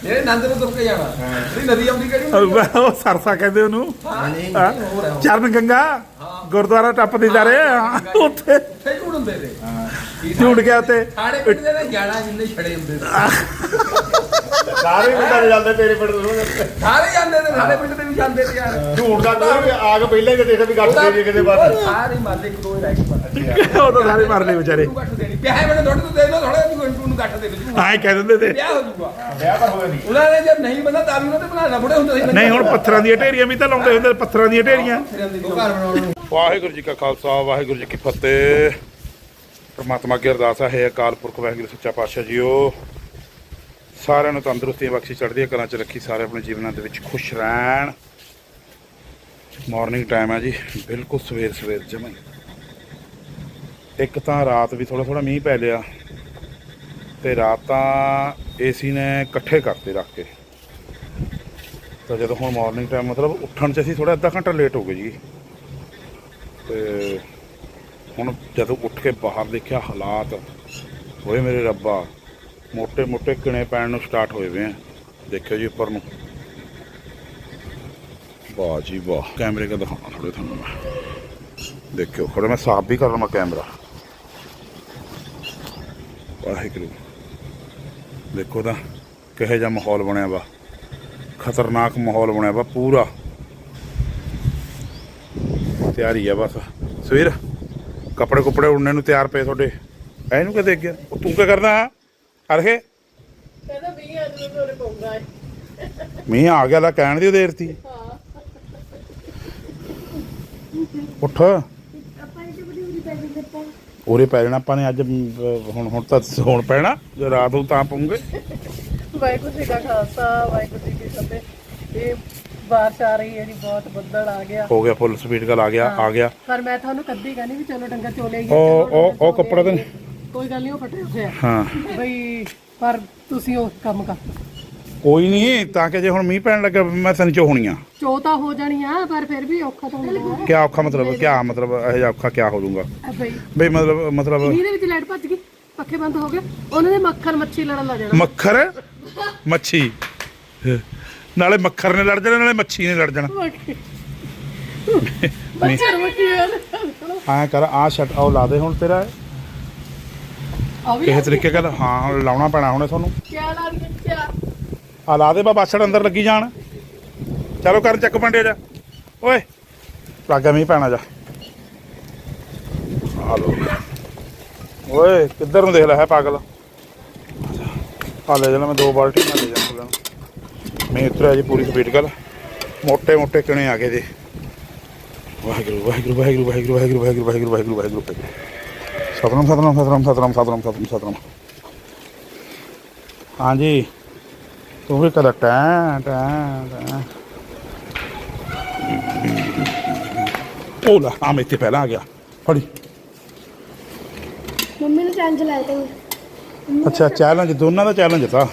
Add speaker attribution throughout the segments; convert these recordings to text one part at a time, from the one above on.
Speaker 1: ਇਹ ਨੰਦ ਨੂੰ ਤੁਰ ਕੇ ਜਾਣਾ ਜਿਹੜੀ ਨਦੀ ਆਉਂਦੀ ਕਿਹੜੀ
Speaker 2: ਉਹ ਸਰਸਾ ਕਹਿੰਦੇ ਉਹਨੂੰ ਚਰਨ ਗੰਗਾ ਗੁਰਦੁਆਰਾ ਟੱਪਦੇ ਜਾ ਰਹੇ ਉੱਥੇ
Speaker 1: ਉੱਥੇ ਝੂੜ ਹੁੰਦੇ ਨੇ
Speaker 2: ਝੂੜ ਗਿਆ ਉੱਥੇ
Speaker 1: ਸਾਡੇ ਪਿੰਡ ਦੇ ਤਾਂ ਗਿਆਣਾ ਜਿੰਨੇ ਛੜੇ ਹੁੰਦੇ ਸੀ
Speaker 3: ਸਾਰੇ ਪਿੰਡਾਂ ਜਾਂਦੇ ਤੇਰੇ ਪਿੰਡ ਤੋਂ
Speaker 1: ਸਾਰੇ ਜਾਂਦੇ ਨੇ ਸਾਡੇ ਪਿੰਡ ਦੇ ਵੀ ਜਾਂਦੇ ਤੇ ਯਾਰ
Speaker 3: ਝੂਠ ਦਾ ਤਾਂ ਆ ਕੇ ਪਹਿਲਾਂ ਕਿ ਦੇਖੇ ਵੀ ਗੱਟ ਦੇ ਕਿਤੇ ਬਾਅਦ
Speaker 1: ਸਾਰੇ ਮਾਰਦੇ ਇੱਕ ਦੋ ਹੀ ਰਹਿ ਗਏ
Speaker 2: ਉਹ ਤਾਂ ਸਾਰੇ ਮਰ ਲਏ ਵਿਚਾਰੇ
Speaker 1: ਗੱਟ ਦੇਣੀ ਪਿਆਹੇ ਮੈਨੂੰ ਦੁੱਧ ਦੇ ਦੋ ਥੋੜਾ ਨੂੰ ਗੱਟ ਦੇ ਵਿੱਚ
Speaker 2: ਆਏ ਕਹਿ ਦਿੰਦੇ ਤੇ
Speaker 1: ਵਿਆਹ ਹੋ ਜੂਗਾ
Speaker 3: ਵਿਆਹ ਤਾਂ ਹੋਇਆ ਨਹੀਂ
Speaker 1: ਉਹਨਾਂ ਨੇ ਜੇ ਨਹੀਂ ਬੰਦਾ ਤਾਂ ਵੀ ਉਹਨਾਂ ਤੇ ਬਣਾਣਾ ਬੁੜੇ ਹੁੰਦੇ ਸੀ
Speaker 2: ਨਹੀਂ ਹੁਣ ਪੱਥਰਾਂ ਦੀਆਂ ਢੇਰੀਆਂ ਵੀ ਤਾਂ ਲਾਉਂਦੇ ਹੁੰਦੇ ਪੱਥਰਾਂ ਦੀਆਂ ਢੇਰੀਆਂ
Speaker 1: ਘਰ ਬਣਾਉਣ ਨੂੰ
Speaker 2: ਵਾਹਿਗੁਰੂ ਜੀ ਕਾ ਖਾਲਸਾ ਵਾਹਿਗੁਰੂ ਜੀ ਕੀ ਫਤਿਹ ਪਰਮਾਤਮਾ ਅੱਗੇ ਅਰਦਾਸ ਹੈ ਅਕਾਲ ਪੁਰਖ ਵਾਹਿਗੁਰੂ ਸੱਚਾ ਪਾਤਸ਼ਾਹ ਜੀਓ ਸਾਰਿਆਂ ਨੂੰ ਤੰਦਰੁਸਤੀ ਬਖਸ਼ੀ ਚੜ੍ਹਦੀਆਂ ਕਲਾਂ 'ਚ ਰੱਖੀ ਸਾਰੇ ਆਪਣੇ ਜੀਵਨਾਂ ਦੇ ਵਿੱਚ ਖੁਸ਼ ਰਹਿਣ ਮਾਰਨਿੰਗ ਟਾਈਮ ਹੈ ਜੀ ਬਿਲਕੁਲ ਸਵੇਰ ਜਮਾਂ ਇੱਕ ਤਾਂ ਰਾਤ ਵੀ ਥੋੜਾ ਮੀਂਹ ਪੈ ਲਿਆ ਤੇ ਰਾਤ ਤਾਂ ਏਸੀ ਨੇ ਇਕੱਠੇ ਕਰਤੇ ਰੱਖ ਕੇ ਤਾਂ ਜਦੋਂ ਹੁਣ ਮਾਰਨਿੰਗ ਟਾਈਮ ਮਤਲਬ ਉੱਠਣ 'ਚ ਅਸੀਂ ਥੋੜਾ ਅੱਧਾ ਘੰਟਾ ਲੇਟ ਹੋ ਗਏ ਜੀ ਤੇ ਹੁਣ ਜਦੋਂ ਉੱਠ ਕੇ ਬਾਹਰ ਦੇਖਿਆ ਹਾਲਾਤ ਹੋਏ ਮੇਰੇ ਰੱਬਾ ਮੋਟੇ ਕਿਣੇ ਪੈਣ ਨੂੰ ਸਟਾਰਟ ਹੋਏ ਵੇ ਆ ਦੇਖਿਓ ਜੀ ਉੱਪਰ ਨੂੰ ਵਾਹ ਜੀ ਵਾਹ ਕੈਮਰੇ ਕਾ ਦਿਖਾਉਣਾ ਥੋੜੇ ਤੁਹਾਨੂੰ ਮੈਂ ਦੇਖਿਓ ਥੋੜਾ ਮੈਂ ਸਾਫ਼ ਵੀ ਕਰ ਲਵਾਂ ਕੈਮਰਾ ਵਾਹਿਗੁਰੂ ਦੇਖੋ ਤਾਂ ਕਿਹੋ ਜਿਹਾ ਮਾਹੌਲ ਬਣਿਆ ਵਾ ਖਤਰਨਾਕ ਮਾਹੌਲ ਬਣਿਆ ਵਾ ਪੂਰਾ ਤਿਆਰੀ ਆ ਬਸ ਸਵੇਰ ਕੱਪੜੇ ਕੁੱਪੜੇ ਉੜਨੇ ਨੂੰ ਤਿਆਰ ਪਏ ਤੁਹਾਡੇ ਇਹਨੂੰ ਕਿਤੇ ਅੱਗੇ ਤੂੰ ਕੀ ਕਰਦਾ ਅਰਖੇ
Speaker 4: ਕਹਿੰਦਾ ਮੀਂਹ ਅੱਜ ਨੂੰ ਤੁਹਾਡੇ ਪਊਗਾ
Speaker 2: ਮੀਂਹ ਆ ਗਿਆ ਲਾ ਕਹਿਣ ਦੀ ਦੇਰ ਤੀ ਉੱਠ ਉਰੇ ਪੈ ਜਾਣਾ ਆਪਾਂ ਨੇ ਅੱਜ ਹੁਣ ਤਾਂ ਸੌਣ ਪੈਣਾ ਜੇ ਰਾਤ ਨੂੰ ਤਾਂ ਪਊਂਗੇ
Speaker 4: ਵਾਹਿਗੁਰੂ ਜੀ ਕਾ ਖਾਲਸਾ ਵਾਹਿਗੁਰੂ ਜੀ ਕੀ ਫਤਿਹ ਇਹ ਬਾਰਿਸ਼ ਆ ਰਹੀ ਹੈ ਜੀ ਬਹੁਤ ਬੱਦਲ ਆ ਗਿਆ
Speaker 2: ਹੋ ਗਿਆ ਫੁੱਲ ਸਪੀਡ ਗੱਲ ਆ ਗਿਆ
Speaker 4: ਪਰ ਮੈਂ ਤੁਹਾਨੂੰ ਕੱਦੀ ਕਹਿੰਦੀ ਵੀ ਚਲੋ ਡੰਗਰ ਚੋਲੇ ਗਏ
Speaker 2: ਉਹ ਕੱਪੜਾ ਤਾਂ
Speaker 4: ਕੋਈ ਗੱਲ ਨਹੀਂ ਉਹ ਫਟੇ ਹੋਏ ਆ
Speaker 2: ਹਾਂ
Speaker 4: ਬਈ ਪਰ ਤੁਸੀਂ ਉਹ ਕੰਮ ਕਰ
Speaker 2: ਕੋਈ ਨਹੀਂ ਤਾਂ ਕਿ ਜੇ ਹੁਣ ਮੀਂਹ ਪੈਣ ਲੱਗਾ ਮੈਂ ਤੈਨੂੰ ਚੋਹਣੀਆਂ
Speaker 4: ਚੋ ਤਾਂ ਹੋ ਜਾਣੀ ਆ ਪਰ ਫਿਰ ਵੀ ਔਖਾ ਤਾਂ ਹੁੰਦਾ
Speaker 2: ਕਿਆ ਔਖਾ ਮਤਲਬ ਇਹ ਜਿਹਾ ਔਖਾ ਕਿਆ ਹੋ ਜਾਊਗਾ
Speaker 4: ਬਈ
Speaker 2: ਬਈ ਮਤਲਬ
Speaker 4: ਇਹਦੇ ਵਿੱਚ ਲਾਈਟ ਭੱਜ ਗਈ ਪੱਖੇ ਬੰਦ ਹੋ ਗਏ ਉਹਨਾਂ ਦੇ ਮੱਖਰ ਮੱਛੀ ਲੜਨ ਲੱਗ ਜਾਣਾ
Speaker 2: ਮੱਖਰ ਮੱਛੀ ਨਾਲੇ ਮੱਖਰ ਨੇ ਲੜ ਜਾਣਾ ਨਾਲੇ ਮੱਛੀ ਨੇ ਲੜ ਜਾਣਾ
Speaker 4: ਮੱਛਰ ਮੱਖੀ
Speaker 2: ਐਂ ਕਰ ਆ ਸ਼ਟ ਉਹ ਲਾ ਦੇ ਹੁਣ ਤੇਰਾ
Speaker 4: ਆ ਵੀ
Speaker 2: ਕਿਸੇ ਤਰੀਕੇ ਨਾਲ ਹਾਂ ਲਾਉਣਾ ਪੈਣਾ ਹੁਣੇ ਤੁਹਾਨੂੰ
Speaker 4: ਕਿਆ ਲਾ ਰਹੀ ਕਿਆ
Speaker 2: ਆ ਲਾ ਦੇ ਬਾ ਬਾਛੜ ਅੰਦਰ ਲੱਗੀ ਜਾਣ ਚਲੋ ਕਰਨ ਚੱਕ ਪੰਡੇ ਜਾ ਓਏ ਲੱਗਾ ਮੀਂਹ ਪੈਣਾ ਜਾ ਆ ਲੋ ਓਏ ਕਿੱਧਰ ਨੂੰ ਦੇਖ ਲੈ ਹੈ ਪਾਗਲ ਆ ਲੈ ਜਾਣਾ ਮੈਂ 2 ਬਾਲਟੀ ਨਾਲ ਲੈ ਜਾਣਾ ਮੈਂ ਉਤਰਿਆ ਜੀ ਪੂਰੀ ਸਪੀਡ ਗੱਲ ਮੋਟੇ ਕਿਣੇ ਆ ਗਏ ਜੀ ਵਾਹਿਗੁਰੂ ਸਤਨਾਮ ਹਾਂਜੀ ਤੂੰ ਵੀ ਕਦਾ ਟੈਂ ਓਲਾ ਆ ਮੈਂ ਇੱਥੇ ਪਹਿਲਾਂ ਆ ਗਿਆ ਫੜੀ
Speaker 5: ਮੰਮੀ ਨੇ ਚੈਲੰਜ ਲਾਇਆ ਤੇ
Speaker 2: ਅੱਛਾ ਚੈਲੰਜ ਦੋਨਾਂ ਦਾ ਚੈਲੰਜ ਤਾਂ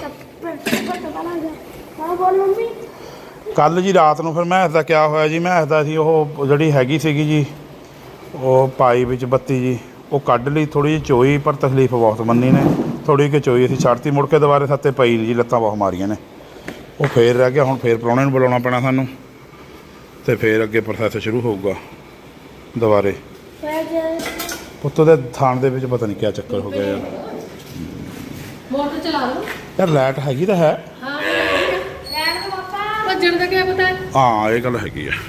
Speaker 5: ਹਾਂ ਬੋਲ ਮੰਮੀ
Speaker 2: ਕੱਲ ਜੀ ਰਾਤ ਨੂੰ ਫਿਰ ਮੈਂ ਦਾ ਕਿਆ ਹੋਇਆ ਜੀ ਮੈਂ ਦਾ ਸੀ ਉਹ ਜਿਹੜੀ ਹੈਗੀ ਸੀਗੀ ਜੀ ਉਹ ਪਾਈ ਵਿੱਚ ਬੱਤੀ ਜੀ ਉਹ ਕੱਢ ਲਈ ਥੋੜੀ ਜਿਹੀ ਚੋਈ ਪਰ ਤਕਲੀਫ ਬਹੁਤ ਮੰਨੀ ਨੇ ਥੋੜੀ ਕਿ ਚੋਈ ਅਸੀਂ ਛੱਡਤੀ ਮੁੜ ਕੇ ਦੁਬਾਰੇ ਸੱਤੇ ਪਈ ਨਹੀਂ ਜੀ ਲੱਤਾਂ ਬਹੁਤ ਮਾਰੀਆਂ ਨੇ ਉਹ ਫੇਰ ਰਹਿ ਗਿਆ ਹੁਣ ਫੇਰ ਪ੍ਰਾਹੁਣੇ ਨੂੰ ਬੁਲਾਉਣਾ ਪੈਣਾ ਸਾਨੂੰ ਤੇ ਫੇਰ ਅੱਗੇ ਪ੍ਰੋਸੈਸ ਸ਼ੁਰੂ ਹੋਊਗਾ ਦੁਬਾਰੇ ਪੁੱਤ ਦੇ ਥਾਣ ਦੇ ਵਿੱਚ ਪਤਾ ਨਹੀਂ ਕਿਆ ਚੱਕਰ ਹੋ ਗਿਆ ਯਾਰ
Speaker 4: ਮੋਟਰ ਚਲਾ ਲਓ
Speaker 2: ਯਾਰ ਲਾਈਟ ਹੈਗੀ ਤਾਂ ਹੈ
Speaker 4: ਹਾਂ ਲੈਣ ਦੋ ਪਾਪਾ ਭੱਜਣ ਦਾ ਕੀ ਪਤਾ
Speaker 2: ਹਾਂ ਇਹ ਗੱਲ ਹੈਗੀ ਆ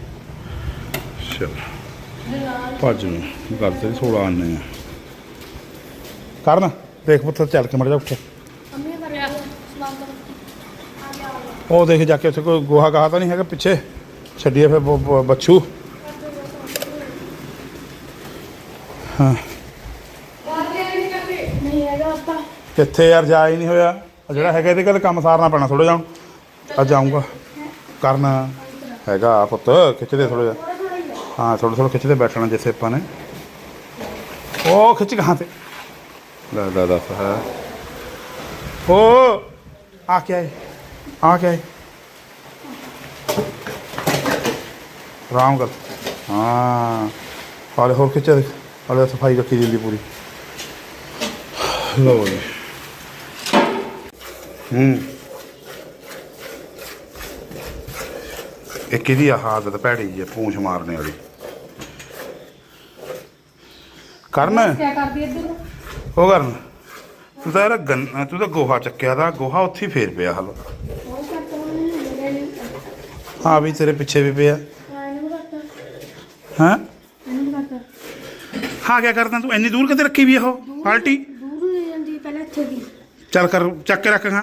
Speaker 2: ਚਲ ਭੱਜ ਨੂੰ ਗੱਲ ਤੇ 16 ਆਨੇ ਆ ਕਰਨ ਦੇਖ ਪੁੱਤ ਚੱਲ ਕੇ ਮੜ ਜਾ ਉੱਠ
Speaker 5: ਮੰਮੀ ਦਾ ਸਲਾਮ ਕਰ ਆ ਗਿਆ
Speaker 2: ਉਹ ਦੇਖ ਜਾ ਕੇ ਉੱਥੇ ਕੋਈ ਗੋਹਾ ਗਾਹ ਤਾਂ ਨਹੀਂ ਹੈਗਾ ਪਿੱਛੇ ਛੱਡੀਏ ਫਿਰ ਬੱਛੂ ਹਾਂ
Speaker 5: ਨਹੀਂ ਹੈਗਾ ਪਾਪਾ
Speaker 2: ਕਿੱਥੇ ਯਾਰ ਜਾ ਹੀ ਨਹੀਂ ਹੋਇਆ ਜਿਹੜਾ ਹੈਗਾ ਇਹਦੇ ਕੋਲ ਕੰਮ ਸਾਰਨਾ ਪੈਣਾ ਥੋੜਾ ਜਿਹਾ ਅੱਜ ਆਊਂਗਾ ਕਰਨਾ ਹੈਗਾ ਪੁੱਤ ਖਿੱਚਦੇ ਥੋੜਾ ਜਿਹਾ हाँ थोड़ा खिंचते बैठना जैसे अपन ने ओ खिंच कहाँ से दादा है ओ आ क्या है आराम कर हाँ हाले होर खिंचे हाले सफाई रखी दी पूरी लो जी ਇੱਕ ਇਹਦੀ ਆਹ ਆਦਤ ਭੈੜੀ ਜੀ ਪੂੰਛ ਮਾਰਨੇ ਵਾਲੀ। ਕਰਨ
Speaker 5: ਕੀ ਕਰਦੀ ਇੱਧਰ
Speaker 2: ਉਹ ਕਰਨ ਤੂੰ ਤਾਂ ਯਾਰ ਤੂੰ ਤਾਂ ਗੋਹਾ ਚੱਕਿਆ ਦਾ ਗੋਹਾ ਉੱਥੇ ਹੀ ਫੇਰ ਪਿਆ ਹਲ।
Speaker 5: ਉਹ ਕਰਤਾ ਉਹਨੇ
Speaker 2: ਹਾਂ ਵੀ ਤੇਰੇ ਪਿੱਛੇ ਵੀ ਪਿਆ।
Speaker 5: ਇਹਨੂੰ ਕਰਤਾ
Speaker 2: ਹਾਂ
Speaker 5: ਇਹਨੂੰ ਕਰਤਾ
Speaker 2: ਹਾਂ ਕਿਆ ਕਰਦਾ ਤੂੰ ਇੰਨੀ ਦੂਰ ਕਿਤੇ ਰੱਖੀ ਵੀ ਉਹ ਬਾਲਟੀ?
Speaker 5: ਦੂਰ ਹੋ ਜਾਂਦੀ ਪਹਿਲਾਂ ਇੱਥੇ ਦੀ
Speaker 2: ਚੱਲ ਕਰ ਚੱਕ ਕੇ ਰੱਖ ਹਾਂ।